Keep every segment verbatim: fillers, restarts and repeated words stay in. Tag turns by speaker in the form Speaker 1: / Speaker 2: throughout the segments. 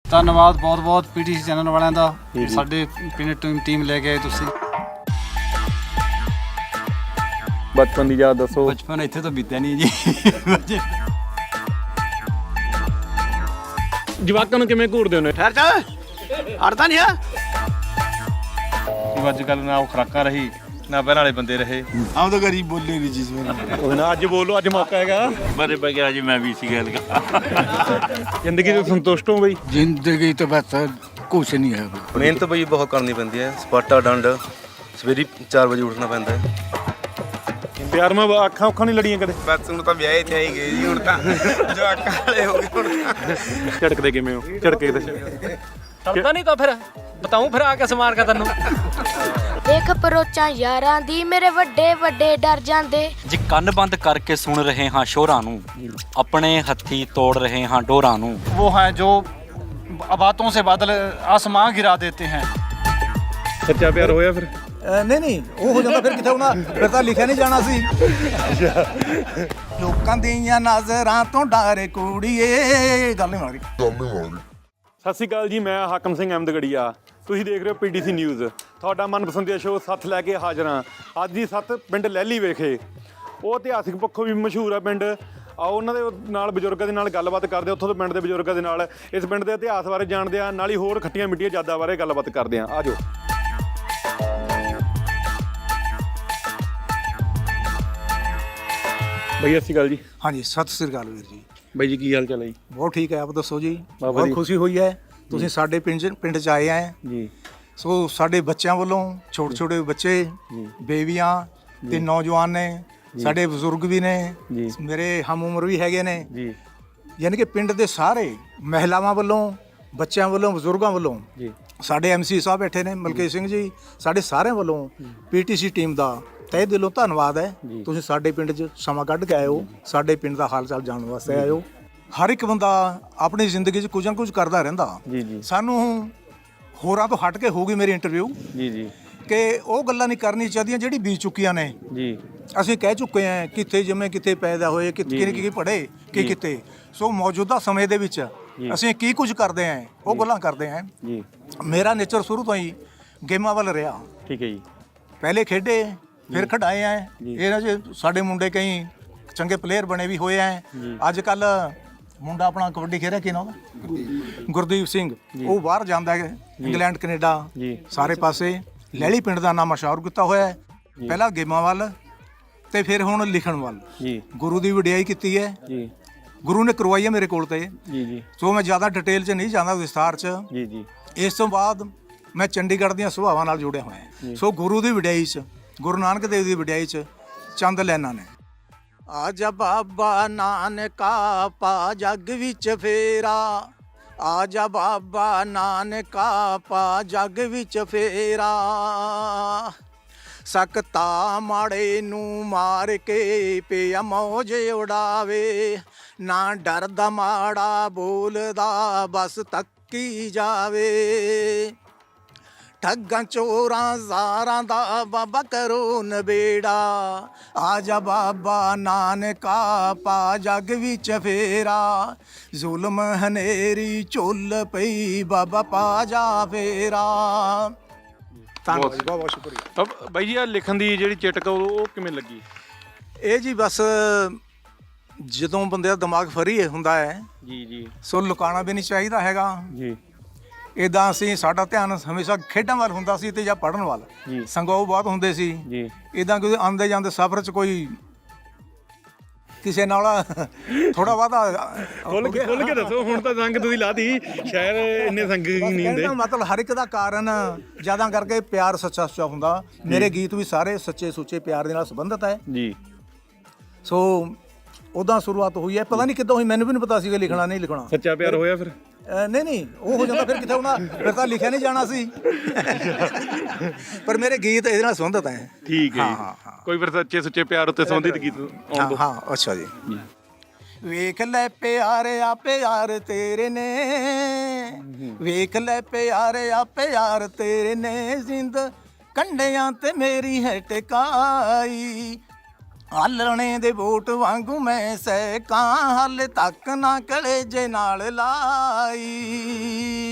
Speaker 1: ਧੰਨਵਾਦ ਬਹੁਤ ਬਹੁਤ ਪੀਟੀਸੀ ਚੈਨਲ ਵਾਲਿਆਂ ਦਾ, ਸਾਡੇ ਪਿੰਡ ਟੀਮ ਟੀਮ ਲੈ ਕੇ ਆਏ ਤੁਸੀਂ।
Speaker 2: ਬਚਪਨ ਦੀ ਯਾਦ ਦੱਸੋ।
Speaker 1: ਬਚਪਨ ਇੱਥੇ ਤਾਂ ਬੀਤਿਆ ਨਹੀਂ ਜੀ।
Speaker 2: ਜਵਾਕਾਂ ਨੂੰ ਕਿਵੇਂ ਘੂਰਦੇ ਹੋ?
Speaker 1: ਠਹਿਰ ਜਾ, ਅੜਦਾ ਨਹੀਂ ਆ।
Speaker 2: ਅੱਜ ਕੱਲ੍ਹ ਨਾ ਉਹ ਖੁਰਾਕਾਂ ਰਹੀ ਨਾ ਪਹਿਲਾਂ ਵਾਲੇ ਬੰਦੇ ਰਹੇ।
Speaker 1: ਆਮ ਤਾਂ ਗਰੀਬ ਬੋਲੇ ਨਹੀਂ ਚੀਜ਼
Speaker 2: ਉਹ ਨਾ ਅੱਜ ਬੋਲੋ, ਅੱਜ ਮੌਕਾ ਹੈਗਾ।
Speaker 3: ਮੇਰੇ ਬਗੈਰ ਜੀ ਮੈਂ ਵੀ ਸੀ ਗੱਲ
Speaker 2: ਜ਼ਿੰਦਗੀ ਤੋਂ ਸੰਤੁਸ਼ਟ ਹੋ ਬਈ?
Speaker 1: ਜ਼ਿੰਦਗੀ ਤੋਂ ਬਸ ਕੁਛ ਨਹੀਂ ਹੈ।
Speaker 4: ਮਿਹਨਤ ਬਈ ਬਹੁਤ ਕਰਨੀ ਪੈਂਦੀ ਹੈ, ਸਪਾਟਾ ਡੰਡ, ਸਵੇਰੇ ਚਾਰ ਵਜੇ ਉੱਠਣਾ ਪੈਂਦਾ ਹੈ।
Speaker 2: ਪਿਆਰ ਮੈਂ ਅੱਖਾਂ ਉੱਖਾਂ ਨਹੀਂ ਲੜੀਆਂ ਕਦੇ?
Speaker 4: ਬਸ ਹੁਣ ਤਾਂ ਵਿਆਹੇ ਤੇ ਆਈ ਗਏ ਜੀ, ਹੁਣ ਤਾਂ ਜੋ ਅੱਖਾਂ ਵਾਲੇ ਹੋ ਗਏ ਹੁਣ ਤਾਂ।
Speaker 2: ਝੜਕਦੇ ਕਿਵੇਂ ਹੋ? ਝੜਕੇ ਤੇ
Speaker 5: ਟਲਦਾ ਨਹੀਂ ਤਾਂ ਫਿਰ ਬਤਾਉਂ ਫਿਰ ਆ ਕੇ ਸਮਾਰ ਕੇ ਤੈਨੂੰ।
Speaker 6: ਦੇਖ ਪਰੋਚਾਂ ਯਾਰਾਂ ਦੀ ਮੇਰੇ ਵੱਡੇ ਵੱਡੇ ਡਰ ਜਾਂਦੇ।
Speaker 5: ਜੀ ਕੰਨ ਬੰਦ ਕਰਕੇ ਸੁਣ ਰਹੇ ਹਾਂ ਸ਼ੋਰਾਂ ਨੂੰ, ਆਪਣੇ ਹੱਥੀ ਤੋੜ ਰਹੇ ਹਾਂ ਡੋਰਾਂ ਨੂੰ।
Speaker 1: वो हैं जो बातों से बादल आसमां गिरा देते हैं।
Speaker 2: ਸੱਚਾ ਪਿਆਰ ਹੋਇਆ ਫਿਰ?
Speaker 7: ਨਹੀਂ ਨਹੀਂ ਉਹ ਹੋ ਜਾਂਦਾ ਫਿਰ ਕਿੱਥੇ ਹੋਣਾ, ਫਿਰ ਤਾਂ ਲਿਖਿਆ ਨਹੀਂ ਜਾਣਾ ਸੀ। ਲੋਕਾਂ ਦੀਆਂ ਨਜ਼ਰਾਂ ਤੋਂ ਡਰ ਕੁੜੀਏ, ਗੱਲ ਨਹੀਂ ਮਾਰੀ।
Speaker 2: ਸਤਿ ਸ਼੍ਰੀ ਅਕਾਲ ਜੀ, ਮੈਂ ਹਾਕਮ ਸਿੰਘ ਅਹਿਮਦਗੜੀਆ। ਤੁਸੀਂ ਦੇਖ ਰਹੇ ਹੋ ਪੀਟੀਸੀ ਨਿਊਜ਼, ਤੁਹਾਡਾ ਮਨਪਸੰਦੀਦਾ ਸ਼ੋਅ ਸੱਥ ਲੈ ਕੇ ਹਾਜ਼ਰ ਹਾਂ। ਅੱਜ ਦੀ ਸੱਥ ਪਿੰਡ ਲਹਿਲੀ ਵਿਖੇ, ਉਹ ਇਤਿਹਾਸਿਕ ਪੱਖੋਂ ਵੀ ਮਸ਼ਹੂਰ ਆ ਪਿੰਡ। ਆਓ ਉਹਨਾਂ ਦੇ ਨਾਲ ਬਜ਼ੁਰਗਾਂ ਦੇ ਨਾਲ ਗੱਲਬਾਤ ਕਰਦੇ, ਉੱਥੋਂ ਦੇ ਪਿੰਡ ਦੇ ਬਜ਼ੁਰਗਾਂ ਦੇ ਨਾਲ ਇਸ ਪਿੰਡ ਦੇ ਇਤਿਹਾਸ ਬਾਰੇ ਜਾਣਦੇ ਆ, ਨਾਲ ਹੀ ਹੋਰ ਖੱਟੀਆਂ ਮਿੱਠੀਆਂ ਯਾਦਾਂ ਬਾਰੇ ਗੱਲਬਾਤ ਕਰਦੇ ਆ। ਆ ਜਾਓ। ਬਈ ਸਤਿ ਸ਼੍ਰੀ ਅਕਾਲ ਜੀ।
Speaker 7: ਹਾਂਜੀ ਸਤਿ ਸ੍ਰੀ ਅਕਾਲ ਵੀਰ ਜੀ।
Speaker 2: ਬਾਈ ਜੀ ਕੀ ਹਾਲ ਚਾਲ ਹੈ ਜੀ?
Speaker 7: ਬਹੁਤ ਠੀਕ ਹੈ, ਆਪ ਦੱਸੋ ਜੀ।
Speaker 2: ਬਾਬਾ
Speaker 7: ਬਹੁਤ
Speaker 2: ਜੀ।
Speaker 7: ਖੁਸ਼ੀ ਹੋਈ ਹੈ ਤੁਸੀਂ ਸਾਡੇ ਪਿੰਡ 'ਚ ਪਿੰਡ 'ਚ ਆਏ ਹੈ
Speaker 2: ਜੀ।
Speaker 7: ਸੋ ਸਾਡੇ ਬੱਚਿਆਂ ਵੱਲੋਂ ਛੋਟੇ ਛੋਟੇ ਬੱਚੇ, ਬੇਬੀਆਂ ਤੇ ਨੌਜਵਾਨ ਨੇ, ਸਾਡੇ ਬਜ਼ੁਰਗ ਵੀ ਨੇ, ਮੇਰੇ ਹਮ ਉਮਰ ਵੀ ਹੈਗੇ ਨੇ
Speaker 2: ਜੀ।
Speaker 7: ਯਾਨੀ ਕਿ ਪਿੰਡ ਦੇ ਸਾਰੇ ਮਹਿਲਾਵਾਂ ਵੱਲੋਂ, ਬੱਚਿਆਂ ਵੱਲੋਂ, ਬਜ਼ੁਰਗਾਂ ਵੱਲੋਂ,
Speaker 2: ਜੀ
Speaker 7: ਸਾਡੇ ਐਮਸੀ ਸਾਹਿਬ ਬੈਠੇ ਨੇ ਮਲਕੀਤ ਸਿੰਘ ਜੀ, ਸਾਡੇ ਸਾਰਿਆਂ ਵੱਲੋਂ ਪੀਟੀਸੀ ਟੀਮ ਦਾ ਤਹਿ ਦਿਲੋਂ ਧੰਨਵਾਦ ਹੈ। ਤੁਸੀਂ ਸਾਡੇ ਪਿੰਡ 'ਚ ਸਮਾਂ ਕੱਢ ਕੇ ਆਏ ਹੋ, ਸਾਡੇ ਪਿੰਡ ਦਾ ਹਾਲ ਚਾਲ ਜਾਣਨ ਵਾਸਤੇ ਆਏ ਹੋ। ਹਰ ਇੱਕ ਬੰਦਾ ਆਪਣੀ ਜ਼ਿੰਦਗੀ 'ਚ ਕੁਝ ਨਾ ਕੁਝ ਕਰਦਾ ਰਹਿੰਦਾ।
Speaker 2: ਜੀ ਜੀ
Speaker 7: ਸਾਨੂੰ ਹੋਰਾਂ ਤੋਂ ਹਟ ਕੇ ਹੋਊਗੀ ਮੇਰੀ ਇੰਟਰਵਿਊ
Speaker 2: ਜੀ ਜੀ
Speaker 7: ਕਿ ਉਹ ਗੱਲਾਂ ਨਹੀਂ ਕਰਨੀ ਚਾਹੀਦੀਆਂ ਜਿਹੜੀ ਬੀਤ ਚੁੱਕੀਆਂ ਨੇ।
Speaker 2: ਜੀ
Speaker 7: ਅਸੀਂ ਕਹਿ ਚੁੱਕੇ ਹਾਂ ਕਿੱਥੇ ਜੰਮੇ, ਕਿੱਥੇ ਪੈਦਾ ਹੋਏ, ਕਿੱਥੇ ਕੀ ਪੜ੍ਹੇ, ਕੀ ਕਿਤੇ। ਸੋ ਮੌਜੂਦਾ ਸਮੇਂ ਦੇ ਵਿੱਚ ਅਸੀਂ ਕੀ ਕੁਝ ਕਰਦੇ ਹਾਂ ਉਹ ਗੱਲਾਂ ਕਰਦੇ ਹਾਂ।
Speaker 2: ਜੀ।
Speaker 7: ਮੇਰਾ ਨੇਚਰ ਸ਼ੁਰੂ ਤੋਂ ਹੀ ਗੇਮਾਂ ਵੱਲ ਰਿਹਾ।
Speaker 2: ਠੀਕ ਹੈ ਜੀ।
Speaker 7: ਪਹਿਲੇ ਖੇਡੇ, ਫਿਰ ਖਿਡਾਏ ਆ। ਇਹਨਾਂ 'ਚ ਸਾਡੇ ਮੁੰਡੇ ਕਈ ਚੰਗੇ ਪਲੇਅਰ ਬਣੇ ਵੀ ਹੋਏ ਆ। ਅੱਜ ਕੱਲ ਮੁੰਡਾ ਆਪਣਾ ਕਬੱਡੀ ਖੇਡ ਰਿਹਾ, ਕੀ ਨਾਮ ਉਹਦਾ? ਗੁਰਦੀਪ ਸਿੰਘ। ਉਹ ਬਾਹਰ ਜਾਂਦਾ ਹੈ, ਇੰਗਲੈਂਡ, ਕੈਨੇਡਾ, ਸਾਰੇ ਪਾਸੇ। ਲਹਿਲੀ ਪਿੰਡ ਦਾ ਨਾਮ ਮਸ਼ਹੂਰ ਕੀਤਾ ਹੋਇਆ ਹੈ, ਪਹਿਲਾਂ ਗੇਮਾਂ ਵੱਲ ਤੇ ਫਿਰ ਹੁਣ ਲਿਖਣ ਵੱਲ। ਗੁਰੂ ਦੀ ਵਡਿਆਈ ਕੀਤੀ ਹੈ, ਗੁਰੂ ਨੇ ਕਰਵਾਈ ਹੈ ਮੇਰੇ ਕੋਲ ਤੇ।
Speaker 2: ਜੀ ਜੀ।
Speaker 7: ਸੋ ਮੈਂ ਜ਼ਿਆਦਾ ਡਿਟੇਲ 'ਚ ਨਹੀਂ ਜਾਂਦਾ, ਵਿਸਥਾਰ 'ਚ।
Speaker 2: ਜੀ ਜੀ।
Speaker 7: ਇਸ ਤੋਂ ਬਾਅਦ ਮੈਂ ਚੰਡੀਗੜ੍ਹ ਦੀਆਂ ਸੁਭਾਵਾਂ ਨਾਲ ਜੁੜਿਆ ਹੋਇਆ। ਸੋ ਗੁਰੂ ਦੀ ਵਡਿਆਈ 'ਚ, ਗੁਰੂ ਨਾਨਕ ਦੇਵ ਦੀ ਵਡਿਆਈ 'ਚ ਚੰਦ ਲੈਣਾ ਨੇ। ਆਜਾ ਬਾਬਾ ਨਾਨਕਾ ਪਾ ਜੱਗ ਵਿੱਚ ਫੇਰਾ, ਆਜਾ ਬਾਬਾ ਨਾਨਕਾ ਪਾ ਜੱਗ ਵਿੱਚ ਫੇਰਾ। ਸਕਤਾ ਮਾੜੇ ਨੂੰ ਮਾਰ ਕੇ ਪਿਆ ਮੌਜ ਉਡਾਵੇ, ਨਾ ਡਰਦਾ ਮਾੜਾ ਬੋਲਦਾ ਬਸ ਤੱਕੀ ਜਾਵੇ। ਠੱਗਾਂ ਚੋਰਾਂ ਜ਼ਾਰਾਂ ਦਾ ਬਾਬਾ ਕਰੋ ਨਬੇੜਾ, ਆਜਾ ਬਾਬਾ ਨਾਨਕਾ ਪਾ ਜੱਗ ਵਿੱਚ ਫੇਰਾ। ਜ਼ੁਲਮ ਹਨੇਰੀ ਝੁੱਲ ਪਈ ਬਾਬਾ ਪਾ ਜਾ ਫੇਰਾ। ਧੰਨਵਾਦ, ਬਹੁਤ ਬਹੁਤ ਸ਼ੁਕਰੀਆ।
Speaker 2: ਬਾਈ ਜੀ ਆ ਲਿਖਣ ਦੀ ਜਿਹੜੀ ਚਿਟਕ ਉਹ ਕਿਵੇਂ ਲੱਗੀ?
Speaker 7: ਇਹ ਜੀ ਬਸ ਜਦੋਂ ਬੰਦੇ ਦਾ ਦਿਮਾਗ ਫਰੀ ਹੁੰਦਾ ਹੈ
Speaker 2: ਜੀ ਜੀ।
Speaker 7: ਸੋ ਲੁਕਾਉਣਾ ਵੀ ਨਹੀਂ ਚਾਹੀਦਾ ਹੈਗਾ
Speaker 2: ਜੀ।
Speaker 7: ਇੱਦਾਂ ਅਸੀਂ, ਸਾਡਾ ਧਿਆਨ ਹਮੇਸ਼ਾ ਖੇਡਾਂ ਵੱਲ ਹੁੰਦਾ ਸੀ ਤੇ ਜਾਂ ਪੜ੍ਹਨ ਵੱਲ। ਸੰਗੋਹ ਬਹੁਤ ਹੁੰਦੇ ਸੀ
Speaker 2: ਜੀ।
Speaker 7: ਇੱਦਾਂ ਕਿ ਆਉਂਦੇ ਜਾਂਦੇ ਸਫ਼ਰ 'ਚ ਕੋਈ ਕਿਸੇ ਨਾਲ ਥੋੜਾ ਬਹੁਤਾ
Speaker 2: ਖੁੱਲ ਕੇ ਖੁੱਲ ਕੇ ਦੱਸੋ। ਹੁਣ ਤਾਂ ਸੰਗ ਤੁਸੀਂ ਲਾਤੀ, ਸ਼ਾਇਦ ਇੰਨੇ ਸੰਗ ਨਹੀਂ ਹੁੰਦੇ।
Speaker 7: ਮਤਲਬ ਹਰ ਇੱਕ ਦਾ ਕਾਰਨ ਜ਼ਿਆਦਾ ਕਰਕੇ ਪਿਆਰ ਸੱਚਾ ਸੁੱਚਾ ਹੁੰਦਾ। ਮੇਰੇ ਗੀਤ ਵੀ ਸਾਰੇ ਸੱਚੇ ਸੁੱਚੇ ਪਿਆਰ ਦੇ ਨਾਲ ਸੰਬੰਧਿਤ ਹੈ
Speaker 2: ਜੀ।
Speaker 7: ਸੋ ਉੱਦਾਂ ਸ਼ੁਰੂਆਤ ਹੋਈ ਹੈ, ਪਤਾ ਨਹੀਂ ਕਿੱਦਾਂ ਹੋਈ, ਮੈਨੂੰ ਵੀ ਨਹੀਂ ਪਤਾ ਸੀਗਾ ਲਿਖਣਾ ਨਹੀਂ ਲਿਖਣਾ।
Speaker 2: ਸੱਚਾ ਪਿਆਰ ਹੋਇਆ ਫਿਰ?
Speaker 7: ਨਹੀਂ ਨਹੀਂ ਉਹ ਹੋ ਜਾਂਦਾ ਫਿਰ ਕਿੱਥੇ ਹੋਣਾ, ਫਿਰ ਤਾਂ ਲਿਖਿਆ ਨਹੀਂ ਜਾਣਾ ਸੀ। ਪਰ ਮੇਰੇ ਗੀਤ ਇਹਦੇ ਨਾਲ ਸੰਬੰਧਿਤ ਹੈ।
Speaker 2: ਠੀਕ ਹੈ। ਹਾਂ ਹਾਂ। ਕੋਈ ਫਿਰ ਸੱਚੇ ਸੁੱਚੇ ਪਿਆਰ ਉੱਤੇ ਸੰਬੰਧਿਤ ਗੀਤ ਆਉਣ ਦਿਓ।
Speaker 7: ਹਾਂ ਅੱਛਾ ਜੀ। ਵੇਖ ਲੈ ਪਿਆਰਿਆ ਪਿਆਰ ਤੇਰੇ ਨੇ, ਵੇਖ ਲੈ ਪਿਆਰਿਆ ਪਿਆਰ ਤੇਰੇ ਨੇ, ਜ਼ਿੰਦ ਕੰਢਿਆਂ ਤੇ ਮੇਰੀ ਹੈ ਟਿਕਾਈ। ਆਲਣੇ ਦੇ ਵੋਟ ਵਾਂਗੂ ਮੈਂ ਸਹਿਕਾਂ, ਹਾਲੇ ਤੱਕ ਨਾ ਕਲੇਜੇ ਨਾਲ ਲਾਈ।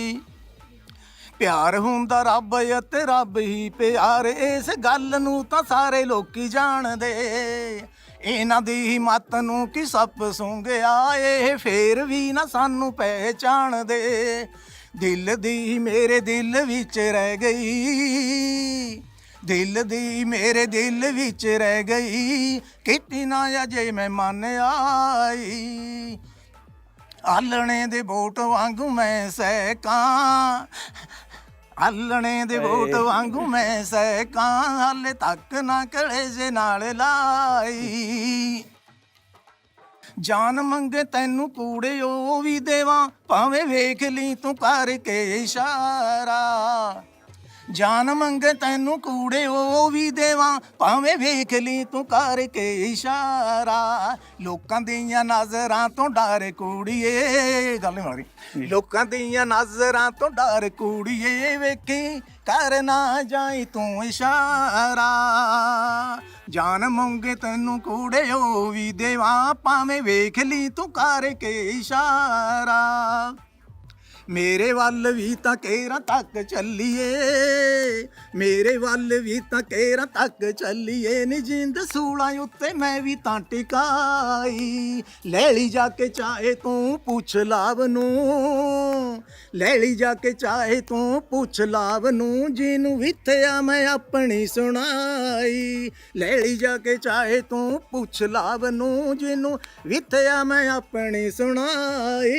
Speaker 7: ਪਿਆਰ ਹੁੰਦਾ ਰੱਬ ਅਤੇ ਰੱਬ ਹੀ ਪਿਆਰ, ਇਸ ਗੱਲ ਨੂੰ ਤਾਂ ਸਾਰੇ ਲੋਕੀ ਜਾਣਦੇ। ਇਹਨਾਂ ਦੀ ਮੱਤ ਨੂੰ ਕੀ ਸੱਪ ਸੂੰਘਿਆ, ਇਹ ਫੇਰ ਵੀ ਨਾ ਸਾਨੂੰ ਪਹਿਚਾਣਦੇ। ਦਿਲ ਦੀ ਮੇਰੇ ਦਿਲ ਵਿੱਚ ਰਹਿ ਗਈ, ਦਿਲ ਦੀ ਮੇਰੇ ਦਿਲ ਵਿੱਚ ਰਹਿ ਗਈ, ਕਿਤੇ ਨਾ ਅਜੇ ਮੈਂ ਮੰਨ ਆਈ। ਆਲਣੇ ਦੇ ਬੋਟ ਵਾਂਗੂ ਮੈਂ ਸਹਿਕਾਂ, ਆਲਣੇ ਦੇ ਬੋਟ ਵਾਂਗੂ ਮੈਂ ਸਹਿਕਾਂ, ਹਾਲੇ ਤੱਕ ਨਾ ਕਲੇਜੇ ਨਾਲ ਲਾਈ। ਜਾਨ ਮੰਗੇ ਤੈਨੂੰ ਕੂੜੇ ਉਹ ਵੀ ਦੇਵਾਂ, ਭਾਵੇਂ ਵੇਖ ਲਈ ਤੂੰ ਕਰਕੇ ਇਸ਼ਾਰਾ। ਜਾਨ ਮੰਗੇ ਤੈਨੂੰ ਕੂੜੇ ਉਹ ਵੀ ਦੇਵਾਂ, ਭਾਵੇਂ ਵੇਖ ਲਈ ਤੂੰ ਕਰਕੇ ਇਸ਼ਾਰਾ। ਲੋਕਾਂ ਦੀਆਂ ਨਜ਼ਰਾਂ ਤੋਂ ਡਰ ਕੁੜੀਏ, ਗੱਲ ਨਹੀਂ ਮਾਰੀ। ਲੋਕਾਂ ਦੀਆਂ ਨਜ਼ਰਾਂ ਤੋਂ ਡਰ ਕੁੜੀਏ, ਵੇਖੀ ਕਰ ਨਾ ਜਾਈ ਤੂੰ ਇਸ਼ਾਰਾ। ਜਾਨ ਮੰਗੇ ਤੈਨੂੰ ਕੂੜੇ ਉਹ ਵੀ ਦੇਵਾਂ, ਭਾਵੇਂ ਵੇਖ ਲਈ ਤੂੰ ਕਰਕੇ ਇਸ਼ਾਰਾ। ਮੇਰੇ ਵੱਲ ਵੀ ਤਾਂ ਕੇਰਾਂ ਤੱਕ ਚੱਲੀਏ, ਮੇਰੇ ਵੱਲ ਵੀ ਤਾਂ ਕੇਰਾਂ ਤੱਕ ਚੱਲੀਏ, ਨੀ ਜਿੰਦ ਸੂਲਾਂ ਉੱਤੇ ਮੈਂ ਵੀ ਤਾਂ ਟਿਕਾਈ। ਲੈ ਲਈ ਜਾ ਕੇ ਚਾਹੇ ਤੂੰ ਪੁੱਛ ਲਾਭ ਨੂੰ, ਲੈ ਲਈ ਜਾ ਕੇ ਚਾਹੇ ਤੂੰ ਪੁੱਛ ਲਾਭ ਨੂੰ, ਜਿਹਨੂੰ ਵਿਥਿਆ ਮੈਂ ਆਪਣੀ ਸੁਣਾਈ। ਲੈ ਲਈ ਜਾ ਕੇ ਚਾਹੇ ਤੂੰ ਪੁੱਛ ਲਾਭ ਨੂੰ, ਜਿਹਨੂੰ ਵਿਥਿਆ ਮੈਂ ਆਪਣੀ ਸੁਣਾਈ।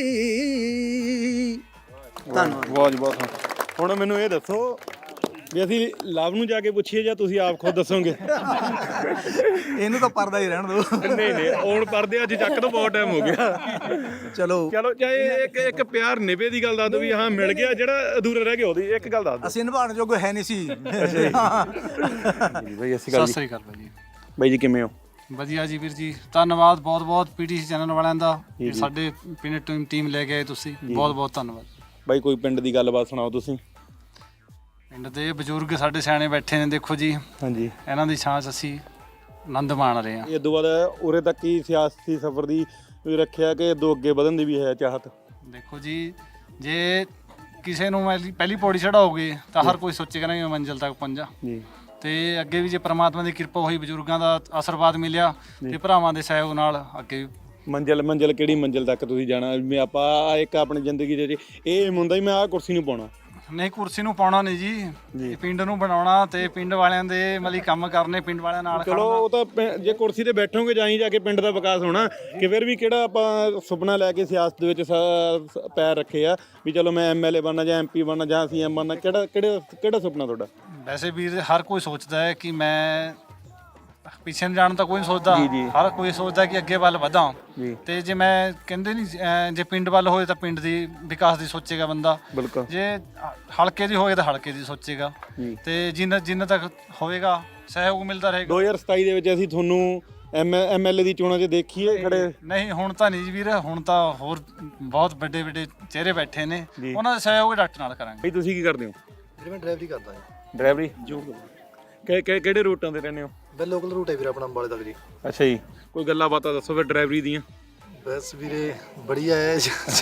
Speaker 7: ਧੰਨਵਾਦ।
Speaker 2: ਬਹੁਤ ਬਹੁਤ। ਹੁਣ ਮੈਨੂੰ ਇਹ ਦੱਸੋ ਵੀ ਅਸੀਂ ਲਵ ਨੂੰ ਜਾ ਕੇ ਪੁੱਛੀਏ ਜਾਂ ਤੁਸੀਂ ਆਪ ਖੁਦ ਦੱਸੋਗੇ?
Speaker 7: ਇਹਨੂੰ ਤਾਂ ਪਰਦਾ ਹੀ ਰਹਿਣ ਦਿਓ।
Speaker 2: ਨਹੀਂ ਨਹੀਂ, ਹੁਣ ਪਰਦੇ ਅੱਜ ਚੱਕ ਤੋਂ ਬਹੁਤ ਟਾਈਮ ਹੋ ਗਿਆ।
Speaker 7: ਚਲੋ
Speaker 2: ਚਲੋ ਚਾਹੇ ਇੱਕ ਇੱਕ ਪਿਆਰ ਨਿਭੇ ਦੀ ਗੱਲ ਦੱਸ ਦਿਓ ਵੀ ਹਾਂ ਮਿਲ ਗਿਆ, ਜਿਹੜਾ ਅਧੂਰਾ ਰਹਿ ਗਿਆ ਉਹਦੀ ਇੱਕ ਗੱਲ ਦੱਸ ਦਿਓ।
Speaker 7: ਅਸੀਂ ਨਿਭਾਉਣ ਜੋਗੇ ਹੈ ਨਹੀਂ ਸੀ।
Speaker 2: ਬਈ ਅਸੀਂ
Speaker 1: ਸਤਿ ਸ੍ਰੀ ਅਕਾਲ ਬਾਈ ਜੀ।
Speaker 2: ਬਾਈ ਜੀ ਕਿਵੇਂ ਹੋ?
Speaker 1: ਵਧੀਆ ਜੀ ਵੀਰ ਜੀ, ਧੰਨਵਾਦ ਬਹੁਤ ਬਹੁਤ ਪੀਟੀਸੀ ਚੈਨਲ ਵਾਲਿਆਂ ਦਾ, ਸਾਡੇ ਪਿੰਡ ਟੀਮ ਟੀਮ ਲੈ ਕੇ ਆਏ ਤੁਸੀਂ, ਬਹੁਤ ਬਹੁਤ ਧੰਨਵਾਦ।
Speaker 2: ਬਾਈ ਕੋਈ ਪਿੰਡ ਦੀ ਗੱਲਬਾਤ ਸੁਣਾਓ ਤੁਸੀਂ।
Speaker 1: ਪਿੰਡ ਦੇ ਬਜ਼ੁਰਗ ਸਾਡੇ ਸਿਆਣੇ ਬੈਠੇ ਨੇ, ਦੇਖੋ ਜੀ
Speaker 2: ਹਾਂਜੀ,
Speaker 1: ਇਹਨਾਂ ਦੀ ਛਾਂ 'ਚ ਅਸੀਂ ਆਨੰਦ ਮਾਣ ਰਹੇ ਹਾਂ।
Speaker 2: ਇਹ ਤੋਂ ਬਾਅਦ ਉਰੇ ਤੱਕ ਹੀ ਸਿਆਸੀ ਸਫ਼ਰ ਦੀ ਵੀ ਰੱਖਿਆ ਕਿ ਦੋ ਅੱਗੇ ਵਧਣ ਦੀ ਵੀ ਹੈ ਚਾਹਤ?
Speaker 1: ਦੇਖੋ ਜੀ, ਜੇ ਕਿਸੇ ਨੂੰ ਪਹਿਲੀ ਪਹਿਲੀ ਪੌੜੀ ਚੜਾਓਗੇ ਤਾਂ ਹਰ ਕੋਈ ਸੋਚੇਗਾ ਨਾ ਮੈਂ ਮੰਜ਼ਿਲ ਤੱਕ ਪਹੁੰਚਾਂ
Speaker 2: ਜੀ।
Speaker 1: ਤੇ ਅੱਗੇ ਵੀ ਜੇ ਪ੍ਰਮਾਤਮਾ ਦੀ ਕਿਰਪਾ ਹੋਈ, ਬਜ਼ੁਰਗਾਂ ਦਾ ਆਸ਼ੀਰਵਾਦ ਮਿਲਿਆ ਤੇ ਭਰਾਵਾਂ ਦੇ ਸਹਿਯੋਗ ਨਾਲ ਅੱਗੇ
Speaker 2: ਮੰਜ਼ਿਲ ਮੰਜ਼ਿਲ ਕਿਹੜੀ ਮੰਜ਼ਿਲ ਤੱਕ ਤੁਸੀਂ ਜਾਣਾ? ਵੀ ਆਪਾਂ ਇੱਕ ਆਪਣੀ ਜ਼ਿੰਦਗੀ ਦੇ ਇਹ ਹੁੰਦਾ ਹੀ ਮੈਂ ਆਹ ਕੁਰਸੀ ਨੂੰ ਪਾਉਣਾ
Speaker 1: ਨਹੀਂ, ਕੁਰਸੀ ਨੂੰ ਪਾਉਣਾ ਨਹੀਂ ਜੀ, ਇਹ ਪਿੰਡ ਨੂੰ ਬਣਾਉਣਾ ਤੇ ਪਿੰਡ ਵਾਲਿਆਂ ਦੇ ਮਤਲਬ ਕੰਮ ਕਰਨੇ, ਪਿੰਡ ਵਾਲਿਆਂ ਨਾਲ
Speaker 2: ਚਲੋ ਉਹ ਤਾਂ ਪਿੰ- ਜੇ ਕੁਰਸੀ ਤੇ ਬੈਠੋਗੇ ਜਾਈ ਜਾ ਕੇ ਪਿੰਡ ਦਾ ਵਿਕਾਸ ਹੋਣਾ। ਕਿ ਫਿਰ ਵੀ ਕਿਹੜਾ ਆਪਾਂ ਸੁਪਨਾ ਲੈ ਕੇ ਸਿਆਸਤ ਦੇ ਵਿੱਚ ਸ- ਸ- ਪੈਰ ਰੱਖੇ ਆ ਵੀ ਚਲੋ ਮੈਂ ਐਮਐਲਏ ਬਣਨਾ ਜਾਂ ਐਮਪੀ ਬਣਨਾ ਜਾਂ ਸੀਐਮ ਬਣਨਾ, ਕਿਹੜਾ ਕਿਹੜਾ ਕਿਹੜਾ ਸੁਪਨਾ ਤੁਹਾਡਾ?
Speaker 1: ਵੈਸੇ ਵੀਰ ਹਰ ਕੋਈ ਸੋਚਦਾ ਹੈ ਕਿ ਮੈਂ ਪਿੱਛੇ ਨੂੰ ਜਾਣ ਤਾਂ ਕੋਈ ਨਹੀਂ ਸੋਚਦਾ, ਹਰ ਕੋਈ ਸੋਚਦਾ ਕਿ ਅੱਗੇ ਵੱਲ ਵਧਾਂ। ਤੇ ਜੇ ਮੈਂ ਕਹਿੰਦੇ ਨਹੀਂ ਅਹ ਜੇ ਪਿੰਡ ਵੱਲ ਹੋਏ ਤਾਂ ਪਿੰਡ ਦੀ ਵਿਕਾਸ ਦੀ ਸੋਚੇਗਾ ਬੰਦਾ,
Speaker 2: ਬਿਲਕੁਲ।
Speaker 1: ਜੇ ਹਲਕੇ ਦੀ ਹੋਏ ਤਾਂ ਹਲਕੇ ਦੀ ਸੋਚੇਗਾ, ਤੇ ਜਿੰਨਾ ਜਿੰਨਾ ਤੱਕ ਹੋਵੇਗਾ ਸਹਿਯੋਗ ਮਿਲਦਾ ਰਹੇਗਾ।
Speaker 2: ਦੋ ਹਜ਼ਾਰ ਸਤਾਈ ਦੇ ਵਿੱਚ ਅਸੀਂ ਤੁਹਾਨੂੰ ਐਮ ਐਮਐਲਏ ਦੀ ਚੋਣਾਂ 'ਚ ਦੇਖੀਏ ਖੜੇ?
Speaker 1: ਨਹੀਂ, ਹੁਣ ਤਾਂ ਨਹੀਂ ਜੀ ਵੀਰ, ਹੁਣ ਤਾਂ ਹੋਰ ਬਹੁਤ ਵੱਡੇ ਵੱਡੇ ਚਿਹਰੇ ਬੈਠੇ ਨੇ, ਉਹਨਾਂ ਦਾ ਸਹਿਯੋਗ ਡਾਕਟਰ ਨਾਲ ਕਰਾਂਗੇ।
Speaker 2: ਬਈ ਤੁਸੀਂ ਕੀ ਕਰਦੇ ਹੋ?
Speaker 8: ਮੈਂ ਡਰਾਈਵਰੀ ਕਰਦਾ ਹਾਂ।
Speaker 2: ਡਰਾਈਵਰੀ ਜੋ ਕਿਹੜੇ ਰੂਟਾਂ ਤੇ ਰਹਿੰਦੇ ਹੋ?
Speaker 8: ਬਈ ਲੋਕਲ ਰੂਟ ਹੈ ਵੀਰੇ ਆਪਣਾ ਅੰਬਾਲੇ ਤੱਕ ਜੀ।
Speaker 2: ਅੱਛਾ ਜੀ, ਕੋਈ ਗੱਲਾਂ ਬਾਤਾਂ ਦੱਸੋ ਫਿਰ ਡਰਾਈਵਰੀ ਦੀਆਂ।
Speaker 8: ਬਸ ਵੀਰੇ ਬੜੀਆ ਹੈ।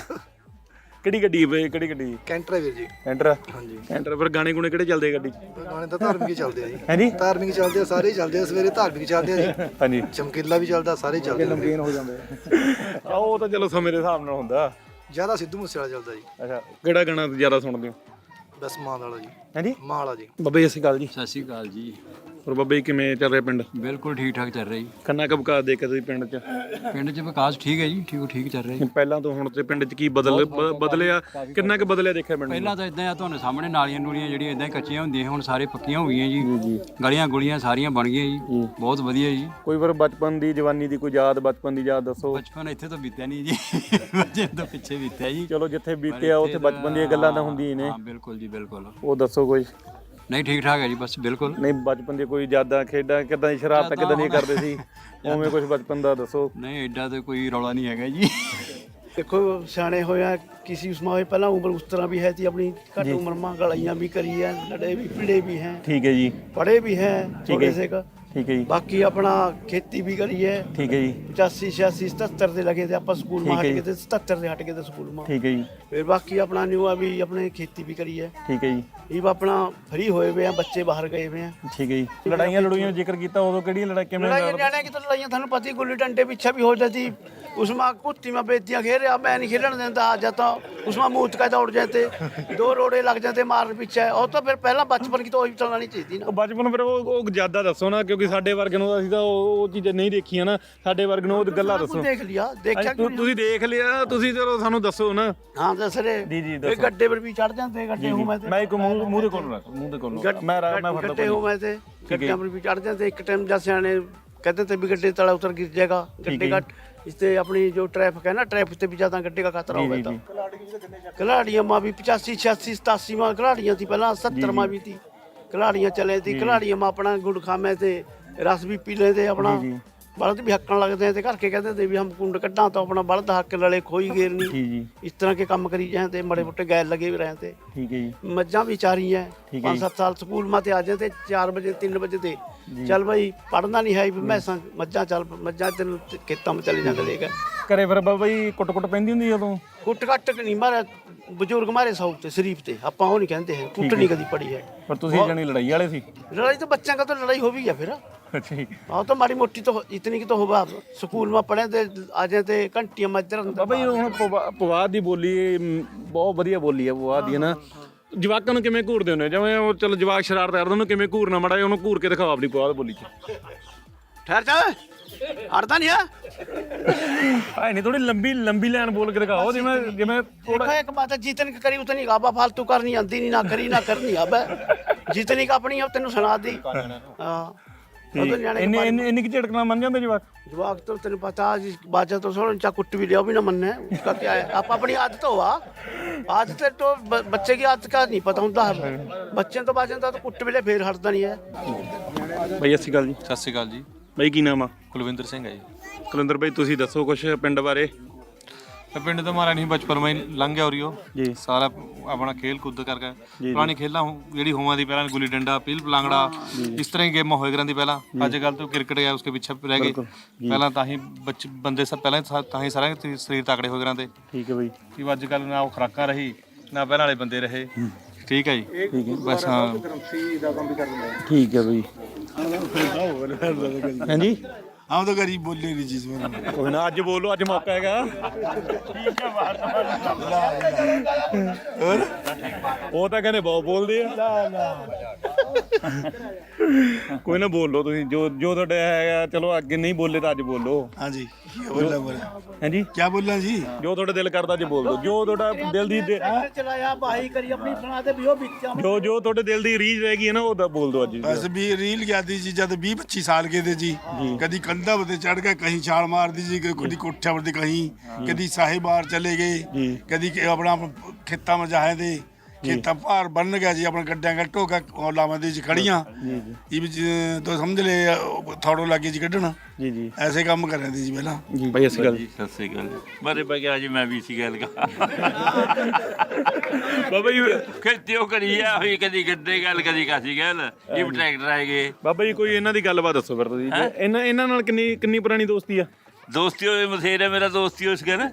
Speaker 2: ਕਿਹੜੀ ਗੱਡੀ ਹੈ ਬਈ? ਕਿਹੜੀ ਗੱਡੀ?
Speaker 8: ਕੈਂਟਰ ਹੈ ਵੀਰ ਜੀ।
Speaker 2: ਕੈਂਟਰ?
Speaker 8: ਹਾਂਜੀ।
Speaker 2: ਕੈਂਟਰ ਫਿਰ ਗਾਣੇ ਗੁਣੇ ਕਿਹੜੇ ਚੱਲਦੇ ਗੱਡੀ 'ਚ?
Speaker 8: ਗਾਣੇ ਤਾਂ ਧਾਰਮਿਕ ਹੀ ਚੱਲਦੇ ਆ ਜੀ।
Speaker 2: ਹੈ ਜੀ,
Speaker 8: ਧਾਰਮਿਕ ਚੱਲਦੇ ਆ, ਸਾਰੇ ਹੀ ਚੱਲਦੇ ਆ। ਸਵੇਰੇ ਧਾਰਮਿਕ ਚੱਲਦੇ ਆ ਜੀ,
Speaker 2: ਹਾਂਜੀ,
Speaker 8: ਚਮਕੀਲਾ ਵੀ ਚੱਲਦਾ, ਸਾਰੇ ਚੱਲਦੇ ਆ।
Speaker 2: ਨਮਕੀਨ ਹੋ ਜਾਂਦੇ ਆ ਉਹ ਤਾਂ ਚਲੋ ਸਮੇਂ ਦੇ ਹਿਸਾਬ ਨਾਲ ਹੁੰਦਾ।
Speaker 8: ਜ਼ਿਆਦਾ ਸਿੱਧੂ ਮੂਸੇ ਵਾਲਾ ਚੱਲਦਾ ਜੀ।
Speaker 2: ਅੱਛਾ, ਕਿਹੜਾ ਗਾਣਾ ਜ਼ਿਆਦਾ ਸੁਣਦੇ ਹੋ?
Speaker 8: ਬਸ ਮਾਂ ਵਾਲਾ ਜੀ।
Speaker 2: ਹੈ ਜੀ,
Speaker 8: ਮਾਂ ਵਾਲਾ ਜੀ।
Speaker 2: ਬਾਬਾ ਜੀ ਸਤਿ ਸ਼੍ਰੀ ਅਕਾਲ ਜੀ।
Speaker 5: ਸਤਿ ਸ਼੍ਰੀ ਅਕਾਲ ਜੀ।
Speaker 2: ਹੋਰ ਬਾਬਾ ਜੀ ਕਿਵੇਂ ਚੱਲ ਰਿਹਾ ਪਿੰਡ?
Speaker 5: ਬਿਲਕੁਲ ਠੀਕ ਠਾਕ ਚੱਲ ਰਿਹਾ ਜੀ।
Speaker 2: ਕਿੰਨਾ ਕੁ ਵਿਕਾਸ ਦੇਖਿਆ ਤੁਸੀਂ ਪਿੰਡ 'ਚ?
Speaker 5: ਪਿੰਡ 'ਚ ਵਿਕਾਸ ਠੀਕ ਹੈ ਜੀ, ਠੀਕ ਠੀਕ ਚੱਲ ਰਿਹਾ ਜੀ।
Speaker 2: ਪਹਿਲਾਂ ਤੋਂ ਹੁਣ ਤੇ ਪਿੰਡ 'ਚ ਕੀ ਬਦਲ ਬ- ਬਦਲਿਆ? ਕਿੰਨਾ ਕੁ ਬਦਲਿਆ ਦੇਖਿਆ ਪਿੰਡ ਨੂੰ?
Speaker 5: ਪਹਿਲਾਂ ਤਾਂ ਇਦਾਂ ਆ, ਤੁਹਾਨੂੰ ਸਾਹਮਣੇ ਨਾਲੀਆਂ ਨੂਲੀਆਂ ਜਿਹੜੀਆਂ ਇਦਾਂ ਕੱਚੀਆਂ ਹੁੰਦੀਆਂ, ਹੁਣ ਸਾਰੇ ਪੱਕੀਆਂ ਹੋ ਗਈਆਂ ਜੀ। ਗਲੀਆਂ ਗੁਲੀਆਂ ਸਾਰੀਆਂ ਬਣ ਗਈਆਂ ਜੀ, ਬਹੁਤ ਵਧੀਆ ਜੀ।
Speaker 2: ਕੋਈ ਵਾਰ ਬਚਪਨ ਦੀ ਜਵਾਨੀ ਦੀ ਕੋਈ ਯਾਦ, ਬਚਪਨ ਦੀ ਯਾਦ ਦੱਸੋ।
Speaker 5: ਬਚਪਨ ਇੱਥੇ ਤਾਂ ਬੀਤਿਆ ਨਹੀਂ ਜੀ, ਬੱਚੇ ਤੋਂ ਪਿੱਛੇ ਬੀਤਿਆ ਜੀ।
Speaker 2: ਚਲੋ ਜਿੱਥੇ ਬੀਤਿਆ ਉੱਥੇ ਬਚਪਨ ਦੀਆਂ ਗੱਲਾਂ ਤਾਂ ਹੁੰਦੀਆਂ ਹੀ ਨੇ।
Speaker 5: ਹਾਂ ਬਿਲਕੁਲ ਜੀ, ਬਿਲਕੁਲ।
Speaker 2: ਉਹ ਦੱਸੋ ਕੋਈ।
Speaker 5: ਨਹੀਂ ਠੀਕ ਠਾਕ ਹੈ ਜੀ, ਬਸ ਬਿਲਕੁਲ।
Speaker 2: ਨਹੀਂ ਬਚਪਨ ਦੀ ਕੋਈ ਯਾਦਾਂ, ਖੇਡਾਂ ਕਿੱਦਾਂ ਦੀ, ਸ਼ਰਾਰਤਾਂ ਕਿੱਦਾਂ ਦੀਆਂ ਕਰਦੇ ਸੀ, ਉਵੇਂ ਕੁਝ ਬਚਪਨ ਦਾ ਦੱਸੋ।
Speaker 5: ਨਹੀਂ ਐਡਾ ਤਾਂ ਕੋਈ ਰੌਲਾ ਨਹੀਂ ਹੈਗਾ ਜੀ।
Speaker 9: देखो सियाने होया किसी उसमें होए पहला उम्र उस तरह भी है थी अपनी घट उम्र में गलाइयाँ भी करी है, लड़े भी पीड़े भी हैं,
Speaker 2: ठीक है जी,
Speaker 9: पढ़े भी हैं थोड़े से का
Speaker 2: ਠੀਕ ਹੈ ਜੀ
Speaker 9: ਬਾਕੀ ਆਪਣਾ ਖੇਤੀ ਵੀ ਕਰੀ ਹੈ
Speaker 2: ਠੀਕ ਹੈ ਜੀ
Speaker 9: ਪਚਾਸੀ ਛਿਆਸੀ ਸਤੱਤਰ ਦੇ ਲਗੇ ਤੇ ਆਪਾਂ ਸਕੂਲ ਮਾ
Speaker 2: ਠੀਕ
Speaker 9: ਹਟ
Speaker 2: ਹੈ
Speaker 9: ਕੇ
Speaker 2: ਜੀ।
Speaker 9: ਤੇ ਸਤੱਤਰ ਦੇ ਹਟ ਕੇ ਤੇ ਸਕੂਲ ਮਾ
Speaker 2: ਠੀਕ ਹੈ ਜੀ
Speaker 9: ਫਿਰ ਬਾਕੀ ਆਪਣਾ ਨਿਊ ਆ ਵੀ ਆਪਣੇ ਖੇਤੀ ਵੀ ਕਰੀ ਹੈ
Speaker 2: ਠੀਕ ਹੈ ਜੀ
Speaker 9: ਇਹ ਵਾ ਆਪਣਾ ਫਰੀ ਹੋਏ ਵੇ ਆ ਬੱਚੇ ਬਾਹਰ ਗਏ ਵੇ ਆ
Speaker 2: ਠੀਕ ਹੈ ਜੀ ਲੜਾਈਆਂ ਲੜੂਈਆਂ ਦਾ ਜ਼ਿਕਰ ਕੀਤਾ ਉਦੋਂ ਕਿਹੜੀਆਂ ਲੜਾਈ ਕਿਵੇਂ
Speaker 9: ਲੜਾਈਆਂ ਨਿਆਣਿਆਂ की तो लड़ाइयाँ थानू पता ही गुल्ली डंडे पीछे भी हो जाती उसमें कुत्ती में बेतियाँ खेल रहा मैं नहीं खेलन देता आ जाता उसमें मूत का दौड़ जाते दो रोड़े लग जाते मार पीछे और तो फिर पहला बचपन की तो वही चलानी चाहिए
Speaker 2: ਉਹ
Speaker 9: ना
Speaker 2: ਬਚਪਨ ਫਿਰ ਉਹ ਉਹ ਜ਼ਿਆਦਾ ਦੱਸੋ ਨਾ ਕਿਉਂਕਿ ਸਾਡੇ ਵਰਗੇ ਨੂੰ ਅਸੀਂ ਤਾਂ ਉਹ ਉਹ ਚੀਜ਼ਾਂ ਨਹੀਂ ਦੇਖੀਆਂ ਨਾ ਸਾਡੇ ਵਰਗੇ ਨੂੰ ਉਹ ਗੱਲਾਂ ਦੱਸੋ
Speaker 9: देख लिया देखा
Speaker 2: ਅੱਜ ਤੁ- ਤੁਸੀਂ ਦੇਖ ਲਿਆ ਤੁਸੀਂ ਚਲੋ ਸਾਨੂੰ ਦੱਸੋ ਨਾ
Speaker 9: हाँ दस रे
Speaker 2: जी, जी,
Speaker 9: ये
Speaker 2: दसो।
Speaker 9: गड्ढे पर भी चढ़ जाते गड्ढे हूँ मैं
Speaker 2: ਮੈਂ ਇੱਕ ਮੂੰਹ ਮੂੰਹ ਦੇ ਕੋਲ ਰੱਖ ਮੂੰਹ ਦੇ ਕੋਲ
Speaker 9: गड-
Speaker 2: ਮੈਂ ਰਾ- ਮੈਂ
Speaker 9: गड-
Speaker 2: ਫੜਦਾ
Speaker 9: गड्ढे हूँ मैं थे गड्ढे पर भी चढ़ जाते एक टाइम जैसे आने कहते थे भी गड्ढे तला उतर गिर जाएगा गड्ढे का इससे अपनी जो ट्रैफिक है ना ट्रैफिक से भी ज्यादा गड्ढे का खतरा हो गया था खिलाड़ियाँ माँ भी पचासी छियासी सतासी माँ खिलाड़ियाँ थी पहला सत्तर माँ भी थी खिलाड़ियाँ चले थी खिलाड़ियाँ माँ अपना गुड़ खामे थे रस भी पी लेते अपना बलद भी हक्कन लगते थे घर के कहते थे भी हम कुंड कड्डा तो अपना बलद हक लड़े खोई घेरनी
Speaker 2: ਜੀ ਜੀ
Speaker 9: इस तरह के काम करी जाए थे बड़े मोटे गैर लगे भी रहे थे
Speaker 2: ਠੀਕ ਹੈ ਜੀ
Speaker 9: मज्जा भी चारी है
Speaker 2: ठीक है
Speaker 9: पाँच
Speaker 2: जी।
Speaker 9: सात साल स्कूल में आ जाते चार बजे तीन बजे थे चल भाई पढ़ना नहीं है भी मैं मज्जा चल मज्जा तेन खेतों में चले जाते लेकर
Speaker 2: ਘਰੇ ਫਿਰ ਬਾਬਾ ਜੀ ਕੁੱਟ ਕੁੱਟ ਪੈਂਦੀ ਹੁੰਦੀ ਉਦੋਂ
Speaker 9: कुट कट नहीं मारे बुजुर्ग मारे सौ थे शरीफ थे अपा वो नहीं कहते हैं कुट नहीं कभी पड़ी है
Speaker 2: ਪਰ ਤੁਸੀਂ ਜਣੀ ਲੜਾਈ ਵਾਲੇ ਸੀ
Speaker 9: लड़ाई तो बच्चों का तो लड़ाई हो भी है फिर
Speaker 2: ਅੱਛਾ ਜੀ
Speaker 9: हाँ तो माड़ी मोटी तो इतनी की तो होगा स्कूल में पढ़े थे आ जाते घंटियां मजर
Speaker 2: ਬਾਬਾ ਜੀ ਹੁਣ ਪਵਾ- ਪਵਾਦ ਦੀ ਬੋਲੀ ਮ, ਬਹੁਤ ਵਧੀਆ ਬੋਲੀ ਹੈ ਪਵਾਦ ਦੀ ਹੈ ਨਾ ਜਵਾਕਾਂ ਨੂੰ ਕਿਵੇਂ ਘੂਰਦੇ ਹੁੰਦੇ ਹੋ? ਜਿਵੇਂ ਉਹ ਚਲੋ ਜਵਾਕ ਸ਼ਰਾਰਤ ਕਰਦੇ ਉਹਨੂੰ ਕਿਵੇਂ ਘੂਰਨਾ ਮਾੜਾ ਜਿਹਾ ਉਹਨੂੰ ਘੂਰ ਕੇ ਦਿਖਾਓ ਆਪਣੀ ਪਵਾਦ ਬੋਲੀ ਚ
Speaker 9: ठहर जा हटता नहीं है
Speaker 2: ਆਏ ਨਹੀਂ ਥੋੜੀ ਲੰਬੀ ਲੰਬੀ ਲਾਈਨ ਬੋਲ ਕੇ ਦਿਖਾਓ ਜਿਵੇਂ ਜਿਵੇਂ ਥੋੜਾ
Speaker 9: देखो एक बात है जितनी की करी उतनी गाबा फालतू करनी आंदी नहीं ना करी ना करनी अब जितनी का अपनी अब तेन सुना दी हाँ ਉਹ ਤਾਂ ਨਿਆਣੇ
Speaker 2: ਇੰਨੇ ਇੰਨੇ ਇੰਨੀ ਕਿ ਝਟਕਣਾ ਮੰਨ ਜਾਂਦੇ ਜਵਾਕ
Speaker 9: जवाक तो तेन पता जी बाजा तो छोड़ चा कुट भी लिया भी ना मनना है उसका क्या है आप अपनी आदत हुआ आदत तो ब- बच्चे की आदत का नहीं पता होता है बच्चे तो बाजा तो कुट भी ले फिर हटता नहीं है
Speaker 2: ਬਈ ਸਤਿ ਸ਼੍ਰੀ ਅਕਾਲ ਜੀ
Speaker 1: ਸਤਿ ਸ਼੍ਰੀ ਅਕਾਲ ਜੀ
Speaker 2: ਬਈ ਕੀ ਨਾਮ ਆ
Speaker 1: ਕੁਲਵਿੰਦਰ ਸਿੰਘ ਹੈ ਜੀ
Speaker 2: ਕੁਲਿੰਦਰ ਬਈ ਤੁਸੀਂ ਦੱਸੋ ਕੁਝ ਪਿੰਡ ਬਾਰੇ
Speaker 1: ਪਿੰਡ ਤੋਂ ਮਾਰਾ ਨਹੀਂ ਬਚਪਨ ਮੈਂ ਲੰਘ ਗਿਆ ਉਰੀਓ
Speaker 2: ਜੀ
Speaker 1: ਸਾਰਾ ਆਪਣਾ ਖੇਲ ਕੁੱਦ ਕਰਕੇ ਪੁਰਾਣੀ ਖੇਲਾਂ ਹੋ- ਜਿਹੜੀ ਹੋਵਾਂ ਦੀ ਪਹਿਲਾਂ ਗੁੱਲੀ ਡੰਡਾ ਪੀਲ ਪਲਾਂਗੜਾ ਇਸ ਤਰ੍ਹਾਂ ਹੀ ਗੇਮਾਂ ਹੋਏ ਕਰਾਂ ਦੀ ਪਹਿਲਾਂ ਅੱਜ ਕੱਲ ਤੋਂ ਕ੍ਰਿਕਟ ਹੈ ਉਸਕੇ ਪਿੱਛੇ ਰਹਿ ਗਏ ਪਹਿਲਾਂ ਤਾਂ ਹੀ ਬੱਚ ਬੰਦੇ ਸਭ ਪਹਿਲਾਂ ਹੀ ਤਾਂ ਹੀ ਸਾਰੇ ਸਰੀਰ ਤਕੜੇ ਹੋ ਕਰਾਂ ਤੇ
Speaker 2: ਠੀਕ ਹੈ ਬਈ
Speaker 1: ਕਿ ਅੱਜ ਕੱਲ ਨਾ ਉਹ ਖੁਰਾਕਾਂ ਰਹੀ ਨਾ ਪਹਿਲਾਂ ਵਾਲੇ ਬੰਦੇ ਰਹੇ ਠੀਕ ਹੈ ਜੀ ਬਸ ਹਾਂ
Speaker 2: ਠੀਕ ਹੈ ਬਈ ਹਾਂਜੀ
Speaker 8: हम तो गरीब बोल रही चीज में
Speaker 2: ਕੋਈ ਨਾ ਅੱਜ ਬੋਲੋ ਅੱਜ ਮੌਕਾ ਹੈਗਾ ਉਹ ਤਾਂ ਕਹਿੰਦੇ ਬਹੁਤ ਬੋਲਦੇ ਆ ਕੋਈ ਨਾ ਬੋਲੋ ਤੁਸੀਂ ਜੋ ਜੋ ਤੁਹਾਡਾ ਹੈਗਾ ਚਲੋ ਅੱਗੇ ਨਹੀਂ ਬੋਲੇ ਤਾਂ ਅੱਜ ਬੋਲੋ
Speaker 8: हाँ जी क्या बोल रहा
Speaker 2: ਹਾਂਜੀ
Speaker 8: क्या बोल रहा जी
Speaker 2: ਜੋ ਤੁਹਾਡਾ ਦਿਲ ਕਰਦਾ ਅੱਜ ਬੋਲ ਦੋ ਜੋ ਤੁਹਾਡਾ ਦਿਲ ਦੀ ਦੇ-
Speaker 9: चलाया बाही करी अपनी सुना दे भी वो बिच्चा
Speaker 2: ਜੋ ਜੋ ਤੁਹਾਡੇ ਦਿਲ ਦੀ ਰੀਝ ਰਹਿ ਗਈ ਹੈ ਨਾ ਉਹ ਤਾਂ ਬੋਲ ਦੋ ਅੱਜ
Speaker 10: बस भी रील क्या थी जी जब बीस पच्चीस साल के थे जी कभी कंधा पर चढ़ के कहीं छाल मार दी जी कभी कोठा पर कहीं कभी साहिबार चले गए कभी अपना खेता में जाए थे खेता भार बन गया जी अपने गड्ढिया गट्टो का लावा दी जी खड़ियां ये भी जी, तो समझ ले थोड़ो लगे जी कढ़ना
Speaker 2: ਜੀ ਜੀ
Speaker 10: ऐसे काम कर रहे थे जी पहला
Speaker 2: ਜੀ ਬਈ ਅਸੀਂ ਗੱਲ
Speaker 3: ਸਤਿ ਸ੍ਰੀ ਅਕਾਲ ਬਾਰੇ ਪੈ ਗਿਆ ਜੀ ਮੈਂ ਵੀ ਸੀ ਗੱਲ ਕਾ
Speaker 2: ਬਾਬਾ ਜੀ
Speaker 3: ਖੇਤੀ ਉਹ ਕਰੀ ਆ ਹੋਈ ਕਦੀ ਗੱਡੇ ਗੱਲ ਕਦੀ ਕਾਸੀ ਗੱਲ ਇਹ ਟਰੈਕਟਰ ਆਏ ਗਏ
Speaker 2: ਬਾਬਾ ਜੀ ਕੋਈ ਇਹਨਾਂ ਦੀ ਗੱਲਬਾਤ ਦੱਸੋ ਫਿਰ ਤੁਸੀਂ ਇਹਨਾਂ ਇਹਨਾਂ ਨਾਲ ਕਿੰਨੀ ਕਿੰਨੀ ਪੁਰਾਣੀ ਦੋਸਤੀ ਆ
Speaker 3: ਦੋਸਤੀ ਹੋਏ ਮਥੇਰੇ ਮੇਰਾ ਦੋਸਤੀ ਉਸ ਕੇ ਨਾ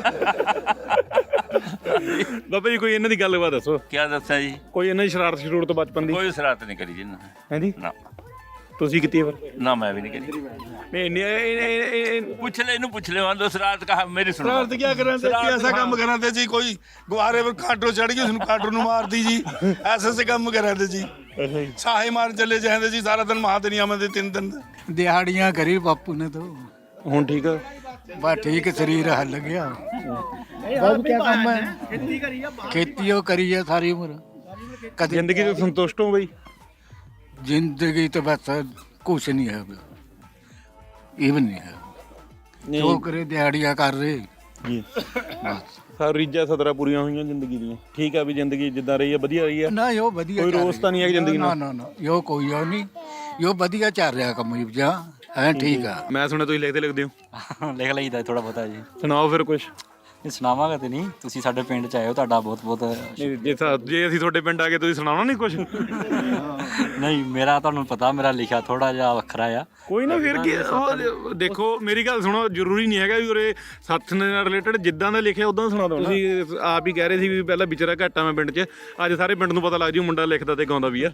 Speaker 2: ਬਾਬਾ ਜੀ ਕੋਈ ਇਹਨਾਂ ਦੀ ਗੱਲਬਾਤ ਦੱਸੋ
Speaker 3: ਕੀ ਦੱਸਾਂ ਜੀ
Speaker 2: ਕੋਈ ਇਹਨਾਂ ਦੀ ਸ਼ਰਾਰਤ ਸ਼ਰੂਰ ਤੋਂ ਬਚਪਨ ਦੀ
Speaker 3: ਕੋਈ ਸ਼ਰਾਰਤ ਨਹੀਂ ਕਰੀ ਜੀ ਨਾ
Speaker 2: ਹਾਂਜੀ
Speaker 3: ਨਾ
Speaker 2: ਤੁਸੀਂ ਕੀਤੀ ਹੈ ਫਿਰ
Speaker 3: ਨਾ ਮੈਂ ਵੀ ਨਹੀਂ ਕਰੀ
Speaker 2: ਨਹੀਂ ਇੰਨੀ- ਇਹ- ਇਹ- ਇਹ- ਇਹ-
Speaker 3: ਪੁੱਛ ਲੈ ਇਹਨੂੰ ਪੁੱਛ ਲੈ ਵਾਂ ਦੋ ਸ਼ਰਾਰਤ ਕਹਾ ਮੇਰੀ ਸੁਣੋ
Speaker 10: शरारत क्या कर रहे थे जी ऐसा काम कर रहे थे जी कोई गुब्बारे पर काटो चढ़ गई उसने काटो नु मार दी जी ऐसे ऐसे काम कर रहे थे जी साहे मार चले जाते जी सारा दिन महादनिया में थे तीन दिन
Speaker 7: ਦਿਹਾੜੀਆਂ ਕਰੀ ਬਾਪੂ ਨੇ ਤਾਂ
Speaker 2: ਹੁਣ ਠੀਕ ਆ
Speaker 7: ਬਸ ਠੀਕ ਸਰੀਰ ਹੱਲ ਗਿਆ ਬਾਬੂ ਕੀ ਕੰਮ ਹੈ ਖੇਤੀ ਉਹ ਕਰੀ ਹੈ ਸਾਰੀ ਉਮਰ ਕਦੇ
Speaker 2: ਜ਼ਿੰਦਗੀ ਤੋਂ ਸੰਤੁਸ਼ਟ ਹੋ ਬਈ
Speaker 7: ਜ਼ਿੰਦਗੀ ਤਾਂ ਬਸ ਕੁਛ ਨਹੀਂ ਹੈ ਇਹ ਵੀ ਨਹੀਂ ਹੈ ਜੋ ਕਰੇ ਦਿਹਾੜੀਆਂ ਕਰ ਰਹੇ
Speaker 2: ਜੀ ਸਾਰੀ ਰੀਝਾਂ ਸਦਰਾਂ ਪੂਰੀਆਂ ਹੋਈਆਂ ਜ਼ਿੰਦਗੀ ਦੀਆਂ ਠੀਕ ਆ ਵੀ ਜ਼ਿੰਦਗੀ ਜਿੱਦਾਂ ਰਹੀ ਆ ਵਧੀਆ ਰਹੀ ਆ
Speaker 7: ਨਾ ਇਹ ਵਧੀਆ
Speaker 2: ਕੋਈ
Speaker 7: ਚੱਲ
Speaker 2: ਰੋਸ ਤਾਂ ਨਹੀਂ ਹੈ ਜ਼ਿੰਦਗੀ
Speaker 7: ਨਾ
Speaker 2: ਨਾਲ
Speaker 7: ਨਾ ਨਾ ਇਹ ਕੋਈ ਉਹ ਨਹੀਂ ਇਹ ਵਧੀਆ ਚੱਲ ਰਿਹਾ ਕੰਮ ਇਹ ਜਾਂ ਹੈ ਠੀਕ ਆ
Speaker 2: ਮੈਂ ਸੁਣਿਆ ਤੁਸੀਂ ਲਿਖਦੇ ਲਿਖਦੇ ਹੋ
Speaker 5: ਲਿਖ ਲਈਦਾ ਥੋੜਾ ਬਹੁਤਾ ਜੀ
Speaker 2: ਸੁਣਾਓ ਫਿਰ ਕੁਝ
Speaker 5: ਇਹ ਸੁਣਾਵਾਂਗਾ ਤੇ ਨਹੀਂ ਤੁਸੀਂ ਸਾਡੇ ਪਿੰਡ ਚ ਆਏ ਹੋ ਤੁਹਾਡਾ ਬਹੁਤ ਬਹੁਤ
Speaker 2: ਜੇ ਸਾ- ਜੇ ਅਸੀਂ ਤੁਹਾਡੇ ਪਿੰਡ ਆ ਕੇ ਤੁਸੀਂ ਸੁਣਾਉਣਾ ਨਹੀਂ ਕੁਝ
Speaker 5: ਨਹੀਂ ਮੇਰਾ ਤੁਹਾਨੂੰ ਪਤਾ ਮੇਰਾ ਲਿਖਿਆ ਥੋੜਾ ਜਿਹਾ ਵੱਖਰਾ ਆ।
Speaker 2: ਕੋਈ ਨਾ ਫਿਰ ਕੀ ਉਹ ਦੇਖੋ ਮੇਰੀ ਗੱਲ ਸੁਣੋ, ਜ਼ਰੂਰੀ ਨਹੀਂ ਹੈਗਾ ਵੀ ਉਰੇ ਸੱਥ ਨਾਲ ਰਿਲੇਟਡ ਜਿੱਦਾਂ ਦਾ ਲਿਖਿਆ ਉਦਾਂ ਸੁਣਾ ਦੋ। ਤੁਸੀਂ ਆਪ ਹੀ ਕਹਿ ਰਹੇ ਸੀ ਵੀ ਪਹਿਲਾਂ ਵਿਚਾਰਾ ਘੱਟ ਆ ਮੈਂ ਪਿੰਡ 'ਚ, ਅੱਜ ਸਾਰੇ ਪਿੰਡ ਨੂੰ ਪਤਾ ਲੱਗ ਜੂ ਮੁੰਡਾ ਲਿਖਦਾ ਤੇ ਗਾਉਂਦਾ ਵੀ ਆ।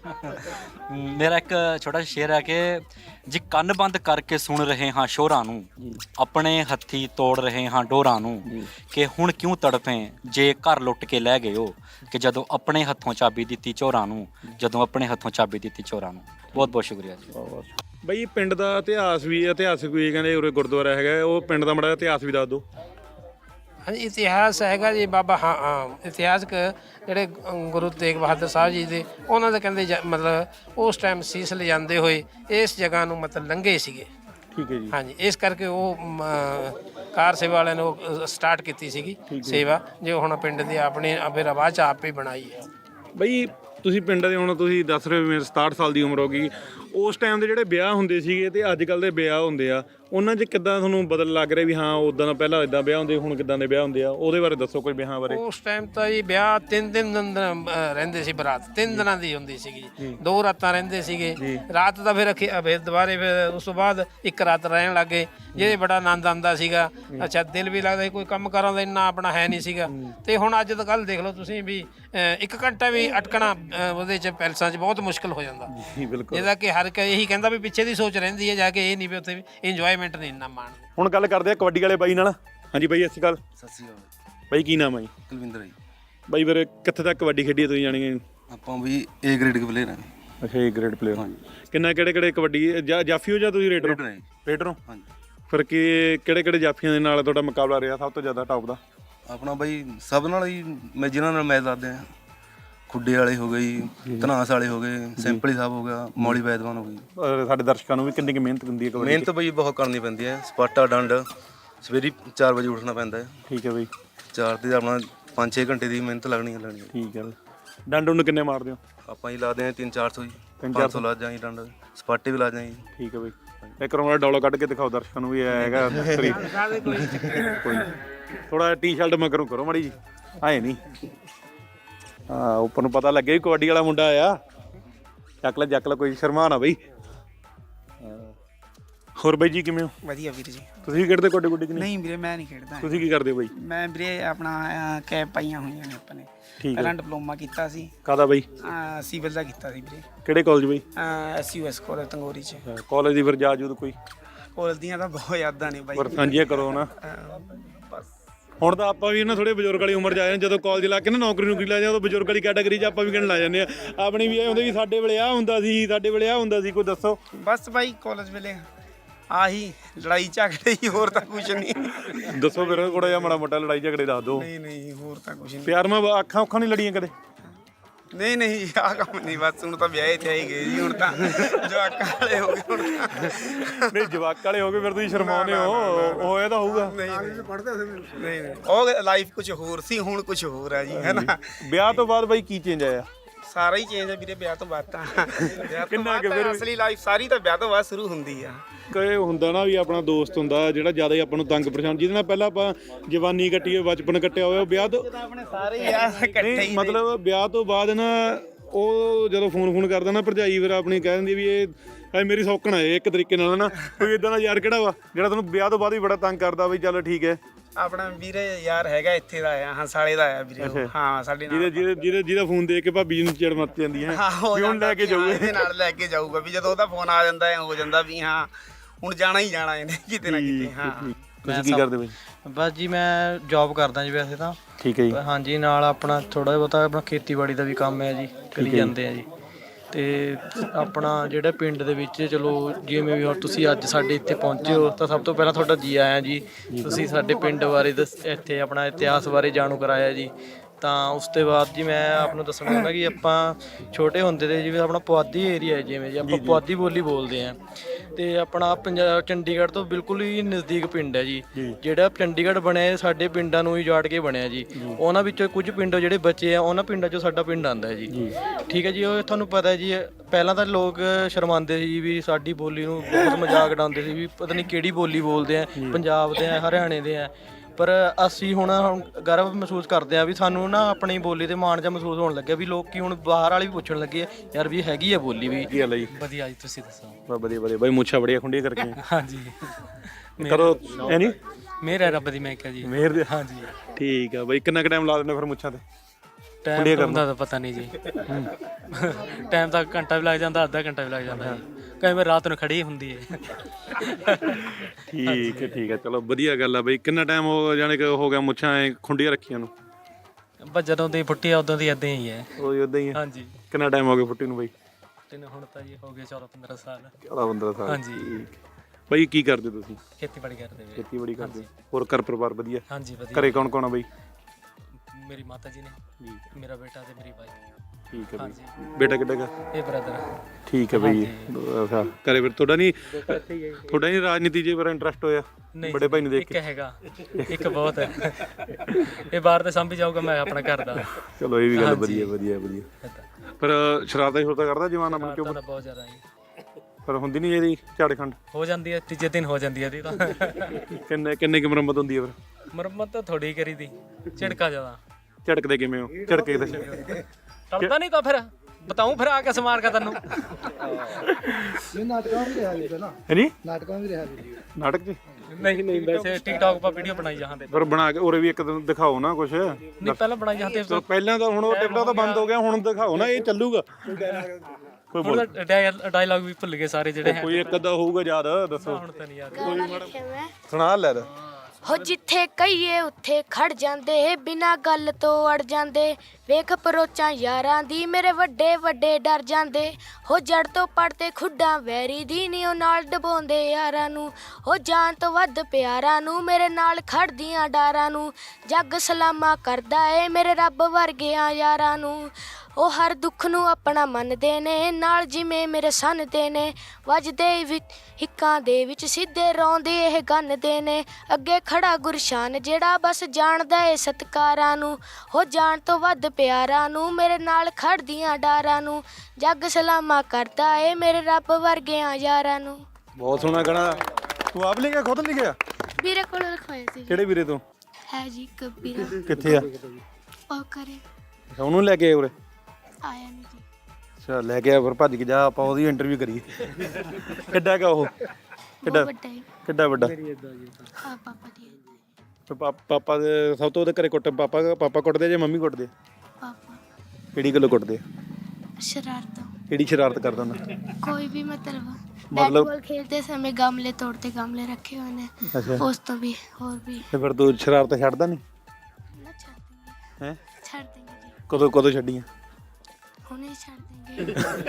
Speaker 5: ਮੇਰਾ ਇੱਕ ਛੋਟਾ ਜਿਹਾ ਸ਼ੇਰ ਹੈ ਕਿ ਜੀ ਕੰਨ ਬੰਦ ਕਰਕੇ ਸੁਣ ਰਹੇ ਹਾਂ ਸ਼ੋਰਾਂ ਨੂੰ, ਆਪਣੇ ਹੱਥੀ ਤੋੜ ਰਹੇ ਹਾਂ ਡੋਰਾਂ ਨੂੰ, ਕਿ ਹੁਣ ਕਿਉਂ ਤੜਫੇ ਜੇ ਘਰ ਲੁੱਟ ਕੇ ਲੈ ਗਏ ਹੋ, ਕਿ ਜਦੋਂ ਆਪਣੇ ਹੱਥੋਂ ਚਾਬੀ ਦਿੱਤੀ ਚੋਰਾਂ ਨੂੰ, ਜਦੋਂ ਆਪਣੇ ਹੱਥੋਂ ਚਾਬੀ ਦਿੱਤੀ ਚੋਰਾਂ ਨੂੰ। ਬਹੁਤ ਬਹੁਤ ਸ਼ੁਕਰੀਆ ਜੀ।
Speaker 2: ਬਈ ਪਿੰਡ ਦਾ ਇਤਿਹਾਸ ਵੀ ਇਤਿਹਾਸਕ ਵੀ ਕਹਿੰਦੇ ਉਰੇ ਗੁਰਦੁਆਰਾ ਹੈਗਾ, ਉਹ ਪਿੰਡ ਦਾ ਮਾੜਾ ਇਤਿਹਾਸ ਵੀ ਦੱਸ ਦਿਓ।
Speaker 11: ਹਾਂਜੀ ਇਤਿਹਾਸ ਹੈਗਾ ਜੀ ਬਾਬਾ ਹਾਂ ਹਾਂ ਇਤਿਹਾਸਕ ਜਿਹੜੇ ਗੁਰੂ ਤੇਗ ਬਹਾਦਰ ਸਾਹਿਬ ਜੀ ਦੇ ਉਹਨਾਂ ਦਾ ਕਹਿੰਦੇ ਜ- ਮਤਲਬ ਉਸ ਟਾਈਮ ਸੀਸ ਲਿਜਾਂਦੇ ਹੋਏ ਇਸ ਜਗ੍ਹਾ ਨੂੰ ਮਤਲਬ ਲੰਘੇ ਸੀਗੇ।
Speaker 2: ਠੀਕ ਹੈ ਜੀ।
Speaker 11: ਹਾਂਜੀ ਇਸ ਕਰਕੇ ਉਹ ਮ, ਕਾਰ ਸੇਵਾ ਵਾਲਿਆਂ ਨੇ ਉਹ ਸਟਾਰਟ ਕੀਤੀ ਸੀਗੀ ਸੇਵਾ, ਜੋ ਹੁਣ ਪਿੰਡ ਦੀ ਆਪਣੀ ਫਿਰ ਆਵਾਜ਼ ਆਪ ਹੀ ਬਣਾਈ ਹੈ।
Speaker 2: ਬਈ ਤੁਸੀਂ ਪਿੰਡ ਦੇ ਹੁਣ ਤੁਸੀਂ ਦੱਸ ਰਹੇ ਹੋ ਮੇਰੇ ਸਤਾਹਠ ਸਾਲ ਦੀ ਉਮਰ ਹੋ ਗਈ, ਉਸ ਟਾਈਮ ਦੇ ਜਿਹੜੇ ਵਿਆਹ ਹੁੰਦੇ ਸੀਗੇ ਤੇ ਅੱਜ ਕੱਲ੍ਹ ਦੇ ਵਿਆਹ ਹੁੰਦੇ ਆ, ਉਹਨਾਂ 'ਚ ਕਿੱਦਾਂ ਤੁਹਾਨੂੰ ਬਦਲ ਲੱਗ ਰਿਹਾ ਵੀ ਹਾਂ ਉੱਦਾਂ ਦਾ ਪਹਿਲਾਂ ਇਦਾਂ ਵਿਆਹ ਹੁੰਦੇ ਹੁਣ ਕਿੱਦਾਂ ਦੇ ਵਿਆਹ ਹੁੰਦੇ ਆ, ਉਹਦੇ ਬਾਰੇ ਦੱਸੋ ਕੋਈ ਵਿਆਹਾਂ ਬਾਰੇ।
Speaker 11: ਉਸ ਟਾਈਮ ਤਾਂ ਜੀ ਵਿਆਹ ਤਿੰਨ ਤਿੰਨ ਦਿਨ ਅ, ਰਹਿੰਦੇ ਸੀ, ਬਰਾਤ ਤਿੰਨ ਦਿਨਾਂ ਦੀ ਹੁੰਦੀ ਸੀਗੀ, ਦੋ ਰਾਤਾਂ ਰਹਿੰਦੇ ਸੀਗੇ। ਰਾਤ ਦਾ ਫਿਰ ਅਖੀ- ਫਿਰ ਦੁਬਾਰੇ ਫਿਰ ਉਸ ਤੋਂ ਬਾਅਦ ਇੱਕ ਰਾਤ ਰਹਿਣ ਲੱਗੇ, ਜਿਹਦੇ ਬੜਾ ਆਨੰਦ ਆਉਂਦਾ ਸੀਗਾ। ਅੱਛਾ ਦਿਲ ਵੀ ਲੱਗਦਾ ਸੀ, ਕੋਈ ਕੰਮ ਕਰਾਂ ਦਾ ਇੰਨਾ ਆਪਣਾ ਹੈ ਨਹੀਂ ਸੀਗਾ। ਤੇ ਹੁਣ ਅੱਜ ਤਾਂ ਕੱਲ੍ਹ ਦੇਖ ਲਓ ਤੁਸੀਂ ਵੀ ਅ, ਇੱਕ ਘੰਟਾ ਵੀ ਅਟਕਣਾ ਅ, ਉਹਦੇ 'ਚ ਪੈਲਸਾਂ 'ਚ ਬਹੁਤ ਮੁਸ਼ਕਿਲ ਹੋ ਜਾਂਦਾ।
Speaker 2: ਜੀ ਬਿਲਕੁਲ।
Speaker 11: ਜਿਹਦਾ ਕਿ ਹਰ ਕੋਈ ਇਹੀ ਕਹਿੰਦਾ ਵੀ ਪਿੱਛੇ ਦੀ ਸੋਚ ਰਹਿੰਦੀ ਹੈ, ਜਾ ਕੇ ਇਹ ਨਹੀਂ ਵੀ ਉੱਥੇ ਇੰਜੋਇਮੈਂਟ ਨਹੀਂ ਇੰਨਾ ਮਾਣਦੇ।
Speaker 2: ਹੁਣ ਗੱਲ ਕਰਦੇ ਆ ਕਬੱਡੀ ਵਾਲੇ ਬਾਈ ਨਾਲ। ਹਾਂਜੀ ਬਾਈ ਸਤਿ ਸ਼੍ਰੀ ਅਕਾਲ।
Speaker 4: ਸਤਿ ਸ਼੍ਰੀ ਅਕਾਲ
Speaker 2: ਬਾਈ ਕੀ ਨਾਮ ਹੈ ਜੀ?
Speaker 4: ਕੁਲਵਿੰਦਰ ਜੀ।
Speaker 2: ਬਾਈ ਫਿਰ ਕਿੱਥੇ ਤੱਕ ਕਬੱਡੀ ਖੇਡੀ ਹੈ ਤੁਸੀਂ ਜਾਣਗੇ?
Speaker 4: ਆਪਾਂ ਵੀ ਏ ਗ੍ਰੇਡ ਦੇ ਪਲੇਅਰ ਹਾਂ।
Speaker 2: ਅੱਛਾ ਏ ਗ੍ਰੇਡ ਪਲੇਅਰ। ਹਾਂਜੀ। ਕਿੰਨਾ ਕਿਹੜੇ ਕਿਹੜੇ ਕਬੱਡੀ ਜਾਂ ਜਾਫੀ ਹੋ ਜਾਂ ਤੁਸੀਂ ਰੇਡਰ ਹੋ?
Speaker 4: ਰੇਡਰ ਹਾਂ ਜੀ।
Speaker 2: ਰੇਡਰ ਹੋ।
Speaker 4: ਹਾਂਜੀ।
Speaker 2: ਫਿਰ ਕੀ ਕਿਹੜੇ ਕਿਹੜੇ ਜਾਫੀਆਂ ਦੇ ਨਾਲ ਤੁਹਾਡਾ ਮੁਕਾਬਲਾ ਰਿਹਾ ਸਭ ਤੋਂ ਜ਼ਿਆਦਾ ਟੌਪ ਦਾ?
Speaker 4: ਆਪਣਾ ਬਾਈ ਸਭ ਨਾਲ ਹੀ ਮੈਂ ਜਿਨ੍ਹਾਂ ਨਾਲ ਮੈਚ ਲਾਦੇ ਆ, ਖੁੱਡੇ ਵਾਲੇ ਹੋ ਗਏ ਜੀ, ਧਨਾਸ ਵਾਲੇ ਹੋ ਗਏ, ਸਿੰਪਲੀ ਸਾਹਿਬ ਹੋ ਗਿਆ, ਮੌਲੀ ਵੈਦਵਾਨ ਹੋ ਗਈ।
Speaker 2: ਅਹ ਸਾਡੇ ਦਰਸ਼ਕਾਂ ਨੂੰ ਵੀ ਕਿੰਨੀ ਕੁ ਮਿਹਨਤ ਹੁੰਦੀ ਹੈ ਕਬੱਡੀ?
Speaker 4: ਮਿਹਨਤ ਬਈ ਬਹੁਤ ਕਰਨੀ ਪੈਂਦੀ ਹੈ। ਸਪਾਟਾ ਡੰਡ ਸਵੇਰੇ ਚਾਰ ਵਜੇ ਉੱਠਣਾ ਪੈਂਦਾ ਹੈ।
Speaker 2: ਠੀਕ ਹੈ ਬਈ।
Speaker 4: ਚਾਰ ਤੇ ਆਪਣਾ ਪੰਜ ਛੇ ਘੰਟੇ ਦੀ ਮਿਹਨਤ ਲੱਗਣੀ ਹੈ ਲੱਗਣੀ ਹੈ।
Speaker 2: ਠੀਕ ਹੈ। ਡੰਡ ਉਹਨੂੰ ਕਿੰਨੇ ਮਾਰਦੇ ਹੋ?
Speaker 4: ਆਪਾਂ ਹੀ ਲਾਦੇ ਆ ਤਿੰਨ ਚਾਰ ਸੌ ਜੀ,
Speaker 2: ਤਿੰਨ
Speaker 4: ਪੰਜ ਸੌ ਲਾ ਜਾਈ ਡੰਡ, ਸਪਾਟੇ ਵੀ ਲਾ ਜਾਈ।
Speaker 2: ਠੀਕ ਹੈ ਬਈ। ਇੱਕ ਰੋਣਾ ਡੌਲਾ ਕੱਢ ਕੇ ਦਿਖਾਓ ਦਰਸ਼ਕਾਂ ਨੂੰ ਵੀ ਇਹ ਹੈਗਾ ਸਰੀ। ਕੋਈ ਥੋੜਾ ਟੀ-ਸ਼ਰਟ ਮਗਰੋਂ ਕਰੋ ਮਾੜੀ ਜੀ, ਆਏ ਨਹੀਂ ਹਾਂ ਉੱਪਰ ਨੂੰ ਪਤਾ ਲੱਗੇ ਕਬੱਡੀ ਵਾਲਾ ਮੁੰਡਾ ਆ। ਚੱਕ ਲੈ ਚੱਕ ਲੈ, ਕੋਈ ਸ਼ਰਮਾ ਨਾ ਬਈ। ਹੋਰ ਬਾਈ ਜੀ ਕਿਵੇਂ ਹੋ?
Speaker 12: ਵਧੀਆ ਵੀਰ ਜੀ।
Speaker 2: ਤੁਸੀਂ ਵੀ ਖੇਡਦੇ ਕੋਡੇ ਕੋਡੇ ਕਿ ਨਹੀਂ?
Speaker 12: ਨਹੀਂ ਵੀਰੇ ਮੈਂ ਨਹੀਂ ਖੇਡਦਾ।
Speaker 2: ਤੁਸੀਂ ਕੀ ਕਰਦੇ ਹੋ ਬਾਈ?
Speaker 12: ਮੈਂ ਵੀਰੇ ਆਪਣਾ ਕੈਬ ਪਾਈਆਂ ਹੋਈਆਂ ਨੇ ਆਪਾਂ ਨੇ।
Speaker 2: ਠੀਕ
Speaker 12: ਪਹਿਲਾਂ
Speaker 2: ਹੈ।
Speaker 12: ਡਿਪਲੋਮਾ ਕੀਤਾ ਸੀ।
Speaker 2: ਕਾਹਦਾ ਬਾਈ?
Speaker 12: ਸਿਵਲ ਦਾ ਕੀਤਾ ਸੀ ਵੀਰੇ।
Speaker 2: ਕਿਹੜੇ ਕਾਲਜ ਬਾਈ?
Speaker 12: S U S college Tangori ਚ।
Speaker 2: ਕਾਲਜ ਦੀ ਫਿਰ ਜਾ ਜੂਦ ਕੋਈ?
Speaker 12: ਕਾਲਜ ਦੀਆਂ ਤਾਂ ਬਹੁਤ ਯਾਦਾਂ ਨੇ ਬਾਈ।
Speaker 2: ਪਰ ਸਾਂਝੀਆਂ ਕਰੋ ਨਾ। ਹੁਣ ਤਾਂ ਆਪਾਂ ਵੀ ਨਾ ਥੋੜੇ ਬਜ਼ੁਰਗ ਵਾਲੀ ਉਮਰ 'ਚ ਆ ਜਾਂਦੇ, ਜਦੋਂ ਕਾਲਜ ਲਾ ਕੇ ਨਾ ਨੌਕਰੀ ਨੌਕਰੀ ਲਾ ਜਾਂਦੇ ਉਦੋਂ ਬਜ਼ੁਰਗ ਵਾਲੀ ਕੈਟਾਗਰੀ 'ਚ ਆਪਾਂ ਵੀ ਕਹਿਣ ਲਾ ਜਾਂਦੇ ਆ। ਆਪਣੀ ਵੀ ਇਹ ਹੁੰਦੇ ਵੀ ਸਾਡੇ ਵੇਲੇ ਆਹ ਹੁੰਦਾ ਸੀ, ਸਾਡੇ ਵੇਲੇ ਆਹ ਹੁੰਦਾ ਸੀ। ਕੋਈ ਦੱਸੋ।
Speaker 12: ਬਸ ਬਾਈ ਕਾਲਜ ਵੇਲੇ ਆਹੀ ਲੜਾਈ ਝਗੜੇ ਹੀ, ਹੋਰ ਤਾਂ ਕੁਝ ਨਹੀਂ।
Speaker 2: ਦੱਸੋ ਫਿਰ ਥੋੜਾ ਜਿਹਾ ਮਾੜਾ ਮੋਟਾ ਲੜਾਈ ਝਗੜੇ ਦੱਸ ਦਿਓ।
Speaker 12: ਨਹੀਂ ਨਹੀਂ ਹੋਰ ਤਾਂ ਕੁਝ ਨਹੀਂ।
Speaker 2: ਪਿਆਰ ਮੈਂ ਅੱਖਾਂ ਉੱਖਾਂ ਨਹੀਂ ਲੜੀਆਂ ਕਦੇ?
Speaker 12: ਨਹੀਂ ਨਹੀਂ ਆਹ ਕੰਮ ਨਹੀਂ, ਬਸ ਹੁਣ ਤਾਂ ਵਿਆਹੇ ਤੇ ਆਈ ਗਏ ਜੀ। ਹੁਣ ਤਾਂ ਜਵਾਕਾਂ ਵਾਲੇ ਹੋ ਗਏ ਹੁਣ ਤਾਂ।
Speaker 2: ਨਹੀਂ ਜਵਾਕ ਵਾਲੇ ਹੋ ਗਏ ਫਿਰ ਤੁਸੀਂ ਸ਼ਰਮਾਉਂਦੇ ਹੋ, ਉਹ ਇਹ ਤਾਂ ਹੋਊਗਾ।
Speaker 12: ਨਹੀਂ ਨਹੀਂ ਨਹੀਂ ਉਹ ਲਾਈਫ ਕੁਝ ਹੋਰ ਸੀ, ਹੁਣ ਕੁਝ ਹੋਰ ਹੈ ਜੀ, ਹੈ ਨਾ।
Speaker 2: ਵਿਆਹ ਤੋਂ ਬਾਅਦ ਬਾਈ ਕੀ ਚੇਂਜ ਆਇਆ?
Speaker 12: ਸਾਰਾ ਹੀ ਚੇਂਜ ਹੈ ਵੀਰੇ ਵਿਆਹ ਤੋਂ ਬਾਅਦ ਤਾਂ। ਵਿਆਹ ਤੋਂ
Speaker 2: ਕਿੰਨਾ
Speaker 12: ਬਾਅਦ
Speaker 2: ਕੁ
Speaker 12: ਤਾਂ
Speaker 2: ਫਿਰ?
Speaker 12: ਅਸਲੀ ਲਾਈਫ ਸਾਰੀ ਤਾਂ ਵਿਆਹ ਤੋਂ ਬਾਅਦ ਸ਼ੁਰੂ ਹੁੰਦੀ ਆ।
Speaker 2: ਕਦੇ ਹੁੰਦਾ ਨਾ ਵੀ ਆਪਣਾ ਦੋਸਤ ਹੁੰਦਾ ਜਿਹੜਾ ਜ਼ਿਆਦਾ ਹੀ ਆਪਾਂ ਨੂੰ ਤੰਗ ਪਰੇਸ਼ਾਨ, ਜਿਹਦੇ ਨਾਲ ਪਹਿਲਾਂ ਆਪਾਂ ਜਵਾਨੀ ਕੱਟੀ ਹੋਈ, ਬਚਪਨ ਕੱਟਿਆ ਹੋਇਆ, ਉਹ ਵਿਆਹ ਤੋਂ
Speaker 12: ਆਪਣੇ ਸਾਰੇ ਹੀ ਆ ਇਕੱਠੇ
Speaker 2: ਨਹੀਂ
Speaker 12: ਹੀ ਨੇ।
Speaker 2: ਮਤਲਬ ਵਿਆਹ ਤੋਂ ਬਾਅਦ ਨਾ ਉਹ ਜਦੋਂ ਫੋਨ ਫੋਨ ਕਰਦਾ ਨਾ ਭਰਜਾਈ, ਫਿਰ ਆਪਣੀ ਕਹਿ ਦਿੰਦੀ ਵੀ ਇਹ ਇਹ ਮੇਰੀ ਸੌਕਣ ਹੈ ਇੱਕ ਤਰੀਕੇ ਨਾਲ ਨਾ। ਕੋਈ ਇਦਾਂ ਦਾ ਯਾਰ ਕਿਹੜਾ ਵਾ ਜਿਹੜਾ ਤੁਹਾਨੂੰ ਵਿਆਹ ਤੋਂ ਬਾਅਦ ਵੀ ਬੜਾ ਤੰਗ ਕਰਦਾ ਵੀ ਚਲੋ ਠੀਕ ਹੈ?
Speaker 12: ਆਪਣਾ ਵੀਰੇ ਯਾਰ ਹੈਗਾ ਇੱਥੇ ਦਾ ਆ, ਹਾਂ ਸਾਲੇ ਦਾ ਆ ਵੀਰੇ ਉਹ। ਹਾਂ ਸਾਡੇ ਨਾਲ।
Speaker 2: ਜਿਹਦੇ ਜਿਹਦੇ ਜਿਹਦੇ ਜਿਹਦਾ ਫੋਨ ਦੇਖ ਕੇ ਭਾਬੀ ਜੀ ਨੂੰ ਚਿੜ ਮੱਚ ਜਾਂਦੀ ਹੈ
Speaker 12: ਹਾਂ ਹੋ
Speaker 2: ਵੀ ਹੁਣ
Speaker 12: ਜਾਂਦਾ
Speaker 2: ਲੈ ਕੇ
Speaker 12: ਵੀ ਹਾਂ,
Speaker 2: ਜਾਊਗਾ।
Speaker 12: ਇਹਦੇ ਨਾਲ ਲੈ ਕੇ ਜਾਊਗਾ ਵੀ ਜਦੋਂ ਉਹਦਾ ਫੋਨ ਆ ਜਾਂਦਾ ਹੈ ਹੋ ਜਾਂਦਾ ਵੀ ਹਾਂ ਹੁਣ ਜਾਣਾ ਹੀ ਜਾਣਾ ਇਹਨੇ ਕਿਤੇ ਨਾ ਕਿਤੇ। ਹਾਂ
Speaker 2: ਤੁਸੀਂ ਕੀ ਕਰਦੇ ਬਾਈ?
Speaker 13: ਬਸ ਜੀ ਮੈਂ ਜੌਬ ਕਰਦਾ ਜੀ ਵੈਸੇ ਤਾਂ।
Speaker 2: ਠੀਕ ਹੈ ਜੀ।
Speaker 13: ਹਾਂਜੀ ਨਾਲ ਆਪਣਾ ਥੋੜਾ ਬਹੁਤਾ ਆਪਣਾ ਖੇਤੀਬਾੜੀ ਦਾ ਵੀ ਕੰਮ ਹੈ ਜੀ, ਕਰੀ ਜਾਂਦੇ ਆ ਜੀ। ਤੇ ਆਪਣਾ ਜਿਹੜਾ ਪਿੰਡ ਦੇ ਵਿੱਚ ਚਲੋ ਜਿਵੇਂ ਵੀ ਹੁਣ ਤੁਸੀਂ ਅੱਜ ਸਾਡੇ ਇੱਥੇ ਪਹੁੰਚੇ ਹੋ ਤਾਂ ਸਭ ਤੋਂ ਪਹਿਲਾਂ ਤੁਹਾਡਾ ਜੀ ਆਇਆਂ ਜੀ। ਤੁਸੀਂ ਸਾਡੇ ਪਿੰਡ ਬਾਰੇ ਦੱਸ, ਇੱਥੇ ਆਪਣਾ ਇਤਿਹਾਸ ਬਾਰੇ ਜਾਣੂ ਕਰਾਇਆ ਜੀ। ਤਾਂ ਉਸ ਤੋਂ ਬਾਅਦ ਜੀ ਮੈਂ ਆਪ ਨੂੰ ਦੱਸਣਾ ਚਾਹੁੰਦਾ ਕਿ ਆਪਾਂ ਛੋਟੇ ਹੁੰਦੇ ਤੇ ਜਿਵੇਂ ਆਪਣਾ ਪੁਆਧੀ ਏਰੀਆ ਹੈ, ਜਿਵੇਂ ਜੀ ਆਪਾਂ ਪੁਆਧੀ ਬੋਲੀ ਬੋਲਦੇ ਹਾਂ। ਤੇ ਆਪਣਾ ਪੰਜਾਬ ਚੰਡੀਗੜ੍ਹ ਤੋਂ ਬਿਲਕੁਲ ਹੀ ਨਜ਼ਦੀਕ ਪਿੰਡ ਹੈ ਜੀ। ਜਿਹੜਾ ਚੰਡੀਗੜ੍ਹ ਬਣਿਆ ਸਾਡੇ ਪਿੰਡਾਂ ਨੂੰ ਹੀ ਉਜਾੜ ਕੇ ਬਣਿਆ ਜੀ। ਉਹਨਾਂ ਵਿੱਚੋਂ ਕੁਝ ਪਿੰਡ ਜਿਹੜੇ ਬਚੇ ਆ, ਉਹਨਾਂ ਪਿੰਡਾਂ 'ਚੋਂ ਸਾਡਾ ਪਿੰਡ ਆਉਂਦਾ ਹੈ ਜੀ। ਠੀਕ ਹੈ ਜੀ। ਉਹ ਤੁਹਾਨੂੰ ਪਤਾ ਹੈ ਜੀ, ਪਹਿਲਾਂ ਤਾਂ ਲੋਕ ਸ਼ਰਮਾਉਂਦੇ ਸੀ ਵੀ ਸਾਡੀ ਬੋਲੀ ਨੂੰ ਬਹੁਤ ਮਜ਼ਾਕ ਉਡਾਉਂਦੇ ਸੀ ਵੀ ਪਤਾ ਨਹੀਂ ਕਿਹੜੀ ਬੋਲੀ ਬੋਲਦੇ ਆ, ਪੰਜਾਬ ਦੇ ਆ, ਹਰਿਆਣੇ ਦੇ ਆ। ਪਰ ਅਸੀਂ ਹੁਣ ਹੁਣ ਗਰਵ ਮਹਿਸੂਸ ਕਰਦੇ ਆ ਵੀ ਸਾਨੂੰ ਨਾ ਆਪਣੀ ਬੋਲੀ ਤੇ ਮਾਣ ਜਿਹਾ ਮਹਿਸੂਸ ਹੋਣ ਲੱਗਿਆ ਵੀ ਲੋਕੀ ਹੁਣ ਬਾਹਰ ਵਾਲੇ ਵੀ ਪੁੱਛਣ ਲੱਗੇ ਆ ਯਾਰ ਵੀ ਹੈਗੀ ਆ ਬੋਲੀ ਵੀ।
Speaker 2: ਕੀ ਹਾਲ ਹੈ ਜੀ?
Speaker 13: ਵਧੀਆ ਜੀ, ਤੁਸੀਂ ਦੱਸੋ?
Speaker 2: ਬਸ ਵਧੀਆ ਵਧੀਆ ਬਾਈ, ਮੁੱਛਾਂ ਬੜੀਆਂ ਖੁੰਡੀਆਂ ਕਰਕੇ।
Speaker 13: ਹਾਂਜੀ
Speaker 2: ਕਰੋ ਐ ਨਹੀਂ
Speaker 13: ਮਿਹਰ ਹੈ ਰੱਬ ਦੀ, ਮੈਂ ਕਿਹਾ ਜੀ
Speaker 2: ਮਿਹਰ ਦੇ।
Speaker 13: ਹਾਂਜੀ
Speaker 2: ਠੀਕ ਆ ਬਾਈ, ਕਿੰਨਾ ਕੁ ਟਾਈਮ ਲਾ ਦਿੰਦੇ ਫਿਰ ਮੁੱਛਾਂ ਤੇ?
Speaker 13: ਟਾਈਮ ਦਾ ਤਾਂ ਪਤਾ ਨਹੀਂ ਜੀ, ਟਾਈਮ ਤਾਂ ਘੰਟਾ ਵੀ ਲੱਗ ਜਾਂਦਾ, ਅੱਧਾ ਘੰਟਾ ਵੀ ਲੱਗ ਜਾਂਦਾ, ਕਈ ਵਾਰ ਰਾਤ ਨੂੰ ਖੜੀ ਹੁੰਦੀ ਹੈ।
Speaker 2: ਠੀਕ ਹੈ ਠੀਕ ਹੈ, ਚਲੋ ਵਧੀਆ ਗੱਲ ਆ ਬਾਈ। ਕਿੰਨਾ ਟਾਈਮ ਹੋ ਜਾਣੇ ਕਿ ਹੋ ਗਿਆ ਮੁੱਛਾਂ ਐ ਖੁੰਡੀਆਂ ਰੱਖੀਆਂ ਨੂੰ?
Speaker 13: ਬਸ ਜਦੋਂ ਦੀ ਫੁੱਟੀ ਆ ਉਦੋਂ ਦੀ ਇਦਾਂ ਹੀ ਹੈ।
Speaker 2: ਉਹ ਉਦਾਂ ਹੀ ਹੈ।
Speaker 13: ਹਾਂਜੀ।
Speaker 2: ਕਿੰਨਾ ਟਾਈਮ ਹੋ ਗਿਆ ਫੁੱਟੀ ਨੂੰ ਬਾਈ?
Speaker 13: ਤੈਨੂੰ ਹੁਣ ਤਾਂ ਜੀ ਹੋ ਗਏ ਚੌਦਾਂ ਪੰਦਰਾਂ ਸਾਲ।
Speaker 2: ਚੌਦਾਂ ਪੰਦਰਾਂ ਸਾਲ।
Speaker 13: ਹਾਂਜੀ।
Speaker 2: ਬਾਈ ਕੀ ਕਰਦੇ ਤੁਸੀਂ?
Speaker 13: ਖੇਤੀਬਾੜੀ ਕਰਦੇ ਵੇ।
Speaker 2: ਖੇਤੀਬਾੜੀ ਕਰਦੇ। ਹੋਰ ਘਰ ਪਰਿਵਾਰ ਵਧੀਆ?
Speaker 13: ਹਾਂਜੀ ਵਧੀਆ।
Speaker 2: ਘਰੇ ਕੌਣ ਕੌਣ ਆ ਬਾਈ?
Speaker 13: ਮੇਰੀ ਮਾਤਾ ਜੀ ਨੇ ਜੀ, ਮੇਰਾ ਬੇਟਾ ਤੇ ਮੇਰੀ ਵਾਈਫ।
Speaker 2: ਠੀਕ ਹੈ ਬਾਈ। ਬੇਟਾ ਕਿੱਡਾ ਗਾ?
Speaker 13: ਇਹ ਬ੍ਰਦਰ।
Speaker 2: ਠੀਕ ਹੈ ਬਾਈ। ਅੱਛਾ, ਘਰੇ ਫਿਰ ਤੁਹਾਡਾ ਨਹੀਂ ਤੁਹਾਡਾ ਨਹੀਂ ਰਾਜਨੀਤੀ ਜੇ ਪਰ ਇੰਟਰਸਟ ਹੋਇਆ ਬੜੇ ਭਾਈ ਨੂੰ ਦੇਖ ਕੇ?
Speaker 13: ਇੱਕ ਹੈਗਾ, ਇੱਕ ਬਹੁਤ ਹੈ। ਇਹ ਬਾਹਰ ਤੇ ਸਾਂਭੀ ਜਾਊਗਾ, ਮੈਂ ਆਪਣਾ ਘਰ ਦਾ।
Speaker 2: ਚਲੋ ਇਹ ਵੀ ਗੱਲ ਵਧੀਆ ਵਧੀਆ ਵਧੀਆ। ਪਰ ਸ਼ਰਾਰਤਾਂ ਹੀ ਹੋਤਾ ਕਰਦਾ ਜਵਾਨ ਆਪਣ ਕਿਉਂ?
Speaker 13: ਬਹੁਤ ਜ਼ਿਆਦਾ ਜੀ।
Speaker 2: ਪਰ ਹੁੰਦੀ ਨਹੀਂ ਇਹਦੀ ਝਾੜਖੰਡ?
Speaker 13: ਹੋ ਜਾਂਦੀ ਹੈ, ਤੀਜੇ ਦਿਨ ਹੋ ਜਾਂਦੀ ਹੈ ਇਹਦੀ ਤਾਂ।
Speaker 2: ਕਿੰਨੇ ਕਿੰਨੇ ਕੀ ਮੁਰੰਮਤ ਹੁੰਦੀ ਹੈ ਫਿਰ?
Speaker 13: ਮੁਰੰਮਤ ਤਾਂ ਥੋੜੀ ਕਰੀ ਦੀ, ਝਿੜਕਾ ਜ਼ਿਆਦਾ।
Speaker 2: ਝੜਕਦੇ ਕਿਵੇਂ ਹੋ? ਝੜਕੇ ਤੇ
Speaker 13: ਟਲਦਾ ਨਹੀਂ ਤਾਂ ਫਿਰ ਬਤਾਉਂ ਫਿਰ ਆ ਕੇ ਸਮਾਰ ਕੇ ਤੈਨੂੰ।
Speaker 8: ਨਾਟਕਾਂ ਵੀ ਰਿਹਾ ਜੀ ਪਹਿਲਾਂ।
Speaker 2: ਹੈ ਜੀ?
Speaker 8: ਨਾਟਕਾਂ ਵੀ ਰਿਹਾ ਜੀ।
Speaker 2: ਨਾਟਕ ਜੀ?
Speaker 13: ਨਹੀਂ ਨਹੀਂ, ਵੈਸੇ ਟਿਕਟੌਕ 'ਪਾ ਵੀਡੀਓ ਬਣਾਈ ਜਾਂਦੇ।
Speaker 2: ਪਰ ਬਣਾ ਕੇ ਉਰੇ ਵੀ ਇੱਕ ਦਿਨ ਦਿਖਾਓ ਨਾ ਕੁਛ।
Speaker 13: ਨਹੀਂ ਪਹਿਲਾਂ ਬਣਾਈ ਜਾਂਦੇ।
Speaker 2: ਪਹਿਲਾਂ ਤਾਂ ਹੁਣ ਉਹ ਟਿਕਟੌਕ ਤਾਂ ਬੰਦ ਹੋ ਗਿਆ, ਹੁਣ ਦਿਖਾਓ ਨਾ, ਇਹ ਚੱਲੂਗਾ।
Speaker 13: ਹੁਣ ਡਾਇਲੌਗ ਵੀ ਭੁੱਲ ਗਏ ਸਾਰੇ ਜਿਹੜੇ।
Speaker 2: ਕੋਈ ਇੱਕ ਅੱਧਾ ਹੋਊਗਾ ਯਾਦ, ਦੱਸੋ।
Speaker 13: ਹੁਣ ਤਾਂ ਨਹੀਂ ਯਾਦ।
Speaker 2: ਸੁਣਾ ਲੈ।
Speaker 6: ਹੋ ਜਿੱਥੇ ਕਹੀਏ ਉੱਥੇ ਖੜ ਜਾਂਦੇ, ਬਿਨਾਂ ਗੱਲ ਤੋਂ ਅੜ ਜਾਂਦੇ, ਵੇਖ ਪਰੋਚਾਂ ਯਾਰਾਂ ਦੀ ਮੇਰੇ ਵੱਡੇ ਵੱਡੇ ਡਰ ਜਾਂਦੇ। ਹੋ ਜੜ ਤੋਂ ਪੜ ਤੇ ਖੁੱਡਾਂ ਵੈਰੀ ਦੀ ਨੀ ਉਹ ਨਾਲ ਡਬੋਂਦੇ ਯਾਰਾਂ ਨੂੰ, ਹੋ ਜਾਨ ਤੋਂ ਵੱਧ ਪਿਆਰਾਂ ਨੂੰ ਮੇਰੇ ਨਾਲ ਖੜਦੀਆਂ ਡਾਰਾਂ ਨੂੰ। ਜੱਗ ਸਲਾਮਾ ਕਰਦਾ ਏ ਮੇਰੇ ਰੱਬ ਵਰਗਿਆਂ ਯਾਰਾਂ ਨੂੰ, ਉਹ ਹਰ ਦੁੱਖ ਨੂੰ ਆਪਣਾ ਮੰਨਦੇ ਨੇ, ਨਾਲ ਜਿਵੇਂ ਮੇਰੇ ਸੰਨਦੇ ਨੇ। ਵੱਜਦੇ ਵਿੱਚ ਹਿੱਕਾਂ ਦੇ ਵਿੱਚ ਸਿੱਧੇ ਰੌਂਦੇ ਇਹ ਗੰਨਦੇ ਨੇ, ਅੱਗੇ ਖੜਾ ਗੁਰਸ਼ਾਨ ਜਿਹੜਾ ਬਸ ਜਾਣਦਾ ਏ ਸਤਕਾਰਾਂ ਨੂੰ, ਹੋ ਜਾਣ ਤੋਂ ਵੱਧ ਪਿਆਰਾਂ ਨੂੰ ਮੇਰੇ ਨਾਲ ਖੜਦੀਆਂ ਡਾਰਾਂ ਨੂੰ। ਜੱਗ ਸਲਾਮਾ ਕਰਦਾ ਏ ਮੇਰੇ ਰੱਬ ਵਰਗਿਆਂ ਯਾਰਾਂ ਨੂੰ।
Speaker 2: ਬਹੁਤ ਸੋਹਣਾ ਗਾਣਾ। ਤੂੰ ਆਪ ਲਿਖਿਆ, ਖੁਦ ਲਿਖਿਆ?
Speaker 6: ਵੀਰੇ ਕੋਲ ਲਿਖਵਾਇਆ ਸੀ।
Speaker 2: ਕਿਹੜੇ ਵੀਰੇ ਤੋਂ?
Speaker 6: ਹੈ ਜੀ ਇੱਕ ਵੀਰਾ।
Speaker 2: ਕਿੱਥੇ ਆ?
Speaker 6: ਉਹ ਕਰੇ
Speaker 2: ਉਹਨੂੰ ਲੈ ਕੇ ਆਏ ਉਰੇ?
Speaker 6: ਆਇਆ ਨਹੀਂ ਜੀ।
Speaker 2: ਅੱਛਾ, ਲੈ ਕੇ ਆ ਫਿਰ, ਭੱਜ ਕੇ ਜਾ, ਆਪਾਂ ਉਹਦੀ ਇੰਟਰਵਿਊ ਕਰੀਏ। ਕਿੱਡਾ ਕਾ ਉਹ? ਕਿੱਡਾ
Speaker 6: ਵੱਡਾ ਹੈ।
Speaker 2: ਕਿੱਡਾ ਵੱਡਾ?
Speaker 6: ਆ ਪਾਪਾ ਦੀ
Speaker 2: ਪਾਪਾ ਦੇ ਸਭ ਤੋਂ ਉਹਦੇ ਘਰੇ ਕੁੱਟ ਪਾਪਾ ਪਾਪਾ ਕੁੱਟਦੇ ਜਾਂ ਮੰਮੀ ਕੁੱਟਦੇ?
Speaker 6: ਪਾਪਾ।
Speaker 2: ਕਿਹੜੀ ਗੱਲੋਂ ਕੁੱਟਦੇ?
Speaker 6: ਸ਼ਰਾਰਤ।
Speaker 2: ਕਿਹੜੀ ਸ਼ਰਾਰਤ ਕਰਦਾ ਹੁੰਦਾ?
Speaker 6: ਕੋਈ ਵੀ ਮਤਲਬ ਬੈਟਬਾਲ ਖੇਡਦੇ ਸਮੇਂ ਗਮਲੇ ਤੋੜਦੇ, ਗਮਲੇ ਰੱਖੇ ਹੋਏ ਨੇ, ਉਸ ਤੋਂ ਵੀ ਹੋਰ ਵੀ।
Speaker 2: ਤੇ ਫਿਰ ਤੂੰ ਸ਼ਰਾਰਤ ਛੱਡਦਾ ਨਹੀਂ?
Speaker 6: ਨਾ ਛੱਡ ਦੇਂਗੇ।
Speaker 2: ਹੈ?
Speaker 6: ਛੱਡ ਦੇਂਗੇ ਜੀ।
Speaker 2: ਕਦੋਂ ਕਦੋਂ ਛੱਡੀਆਂ?
Speaker 6: ਹੁਣੇ ਛੱਡ ਦੇਂਗੇ।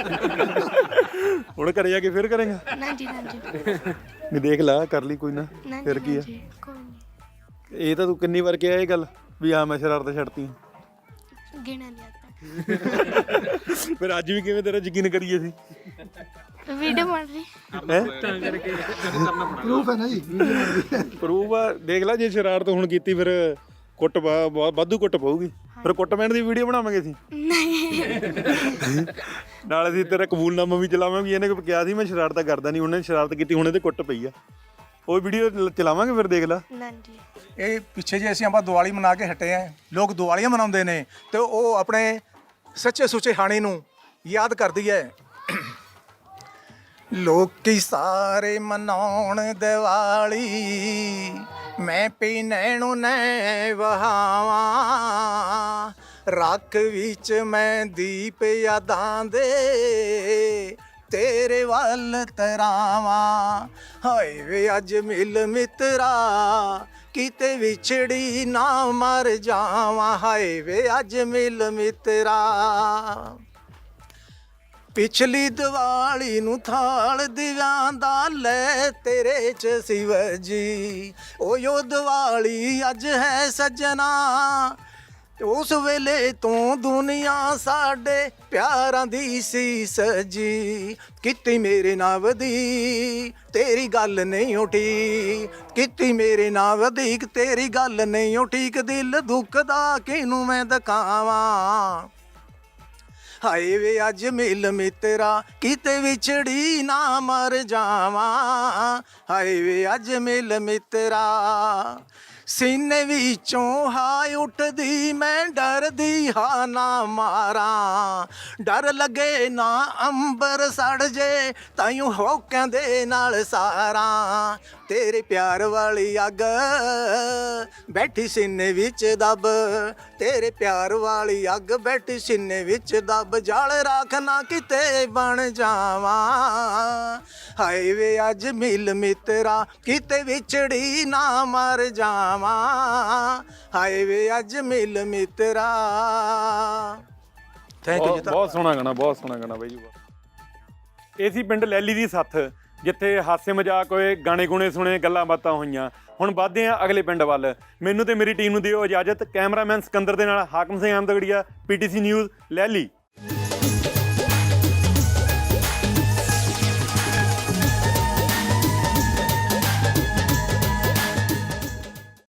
Speaker 2: ਹੁਣ ਘਰੇ ਜਾ ਕੇ ਫਿਰ ਕਰੇਗਾ?
Speaker 6: ਨਾ ਜੀ ਨਾ ਜੀ।
Speaker 2: ਨਹੀਂ ਦੇਖ ਲਾ, ਕਰ ਲਈ ਕੋਈ ਨਾ, ਫਿਰ ਕੀ ਆ?
Speaker 6: ਕੋਈ ਨਹੀਂ।
Speaker 2: ਇਹ ਤਾਂ ਤੂੰ ਕਿੰਨੀ ਵਾਰ ਕਿਹਾ ਇਹ ਗੱਲ ਵੀ ਹਾਂ ਮੈਂ ਸ਼ਰਾਰਤ ਛੱਡਤੀ?
Speaker 6: ਗਿਣਾ ਨਹੀਂ ਆਤਾ।
Speaker 2: ਫਿਰ ਅੱਜ ਵੀ ਕਿਵੇਂ ਤੇਰਾ ਯਕੀਨ ਕਰੀਏ ਸੀ?
Speaker 6: ਵੀਡੀਓ ਬਣ ਰਹੀ
Speaker 2: ਹੈ?
Speaker 8: ਪ੍ਰੂਫ ਹੈ ਨਾ ਜੀ।
Speaker 2: ਪ੍ਰੂਫ ਆ, ਦੇਖ ਲੈ, ਜੇ ਸ਼ਰਾਰਤ ਹੁਣ ਕੀਤੀ ਫਿਰ ਕੁੱਟ ਵਾਧੂ ਕੁੱਟ ਪਊਗੀ, ਫਿਰ ਕੁੱਟਮੈਂਟ ਦੀ ਵੀਡੀਓ ਬਣਾਵਾਂਗੇ ਅਸੀਂ। ਨਾਲ ਅਸੀਂ ਤੇਰਾ ਕਬੂਲਨਾਮਾ ਵੀ ਚਲਾਵਾਂਗੇ, ਇਹਨੇ ਕਿਹਾ ਸੀ ਮੈਂ ਸ਼ਰਾਰਤਾਂ ਕਰਦਾ ਨਹੀਂ, ਉਹਨੇ ਸ਼ਰਾਰਤ ਕੀਤੀ, ਹੁਣ ਇਹਦੇ ਕੁੱਟ ਪਈ ਆ, ਉਹ ਵੀਡੀਓ ਚਲਾਵਾਂਗੇ ਫਿਰ, ਦੇਖ ਲੈ।
Speaker 7: ਇਹ ਪਿੱਛੇ ਜੇ ਅਸੀਂ ਆਪਾਂ ਦੀਵਾਲੀ ਮਨਾ ਕੇ ਹਟੇ ਆ, ਲੋਕ ਦੀਵਾਲੀਆਂ ਮਨਾਉਂਦੇ ਨੇ ਤੇ ਉਹ ਆਪਣੇ ਸੱਚੇ ਸੁੱਚੇ ਹਾਣੀ ਨੂੰ ਯਾਦ ਕਰਦੀ ਹੈ। ਲੋਕੀ ਸਾਰੇ ਮਨਾਉਣ ਦੀਵਾਲੀ, ਮੈਂ ਪੀ ਨੈਣੋ ਨੈ ਵਹਾਵਾਂ, ਰੱਖ ਵਿੱਚ ਮੈਂ ਦੀਪ ਯਾਦਾਂ ਦੇ ਤੇਰੇ ਵੱਲ ਤਰਾਵਾਂ। ਹਾਏ ਵੇ ਅੱਜ ਮਿਲ ਮਿੱਤਰਾ, ਕਿਤੇ ਵਿਛੜੀ ਨਾ ਮਰ ਜਾਵਾਂ, ਹਾਏ ਵੇ ਅੱਜ ਮਿਲ ਮਿੱਤਰਾ। ਪਿਛਲੀ ਦੀਵਾਲੀ ਨੂੰ ਥਾਲ ਦਿਵਾਂ ਦਾ ਲੈ ਤੇਰੇ ਚ ਸਿਵ ਜੀ, ਉਹ ਯੋ ਦੀਵਾਲੀ ਅੱਜ ਹੈ ਸੱਜਣਾ, ਉਸ ਵੇਲੇ ਤੋਂ ਦੁਨੀਆ ਸਾਡੇ ਪਿਆਰਾਂ ਦੀ ਸੀ ਸਜੀ। ਕੀਤੀ ਮੇਰੇ ਨਾਮ ਦੀ ਤੇਰੀ ਗੱਲ ਨਹੀਂ ਉਠੀ, ਕੀਤੀ ਮੇਰੇ ਨਾਮ ਦੀ ਤੇਰੀ ਗੱਲ ਨਹੀਂ ਉਠੀ, ਦਿਲ ਦੁਖਦਾ ਕਿਹਨੂੰ ਮੈਂ ਦਿਖਾਵਾਂ। ਹਾਏ ਵੇ ਅੱਜ ਮਿਲ ਮਿੱਤਰਾ, ਕਿਤੇ ਵਿਛੜੀ ਨਾ ਮਰ ਜਾਵਾਂ, ਹਾਏ ਵੇ ਅੱਜ ਮਿਲ ਮਿੱਤਰਾ। ਸੀਨੇ ਵਿੱਚੋਂ ਹਾਏ ਉੱਠਦੀ ਮੈਂ ਡਰਦੀ ਹਾਂ ਨਾ ਮਾਰਾਂ ਡਰ ਲੱਗੇ ਨਾ ਅੰਬਰ ਸੜ ਜੇ ਤਾਈਓ ਹੋਕਾਂ ਦੇ ਨਾਲ ਸਾਰਾਂ ਤੇਰੇ ਪਿਆਰ ਵਾਲੀ ਅੱਗ ਬੈਠੀ ਸੀਨੇ ਵਿੱਚ ਦੱਬ ਤੇਰੇ ਪਿਆਰ ਵਾਲੀ ਅੱਗ ਬੈਠੀ ਸੀਨੇ ਵਿੱਚ ਦੱਬ ਜਲ ਰੱਖ ਨਾ ਕਿਤੇ ਬਣ ਜਾਵਾਂ ਹਾਏ ਵੇ ਅੱਜ ਮਿਲ ਮਿੱਤਰਾ ਕਿਤੇ ਵਿਛੜੀ ਨਾ ਮਰ ਜਾਵਾਂ ਹਾਏ ਵੇ ਅੱਜ ਮਿਲ ਮਿੱਤਰਾ ਥੈਂਕ ਯੂ ਜੀ
Speaker 2: ਬਹੁਤ ਬਹੁਤ ਸੋਹਣਾ ਗਾਣਾ ਬਹੁਤ ਸੋਹਣਾ ਗਾਣਾ ਬਾਈ ਜੀ ਇਹ ਸੀ ਪਿੰਡ ਲੈਲੀ ਦੀ ਸੱਥ ਜਿੱਥੇ ਹਾਸੇ ਮਜ਼ਾਕ ਹੋਏ ਗਾਣੇ ਗੁਣੇ ਸੁਣੇ ਗੱਲਾਂ ਬਾਤਾਂ ਹੋਈਆਂ ਹੁਣ ਵੱਧਦੇ ਹਾਂ ਅਗਲੇ ਪਿੰਡ ਵੱਲ ਮੈਨੂੰ ਤੇ ਮੇਰੀ ਟੀਮ ਨੂੰ ਦਿਓ ਇਜਾਜ਼ਤ ਕੈਮਰਾਮੈਨ ਸਿਕੰਦਰ ਦੇ ਨਾਲ ਹਾਕਮ ਸਿੰਘ ਅਹਿਮਦਗੜੀਆ ਪੀਟੀਸੀ ਨਿਊਜ਼ ਲੈਲੀ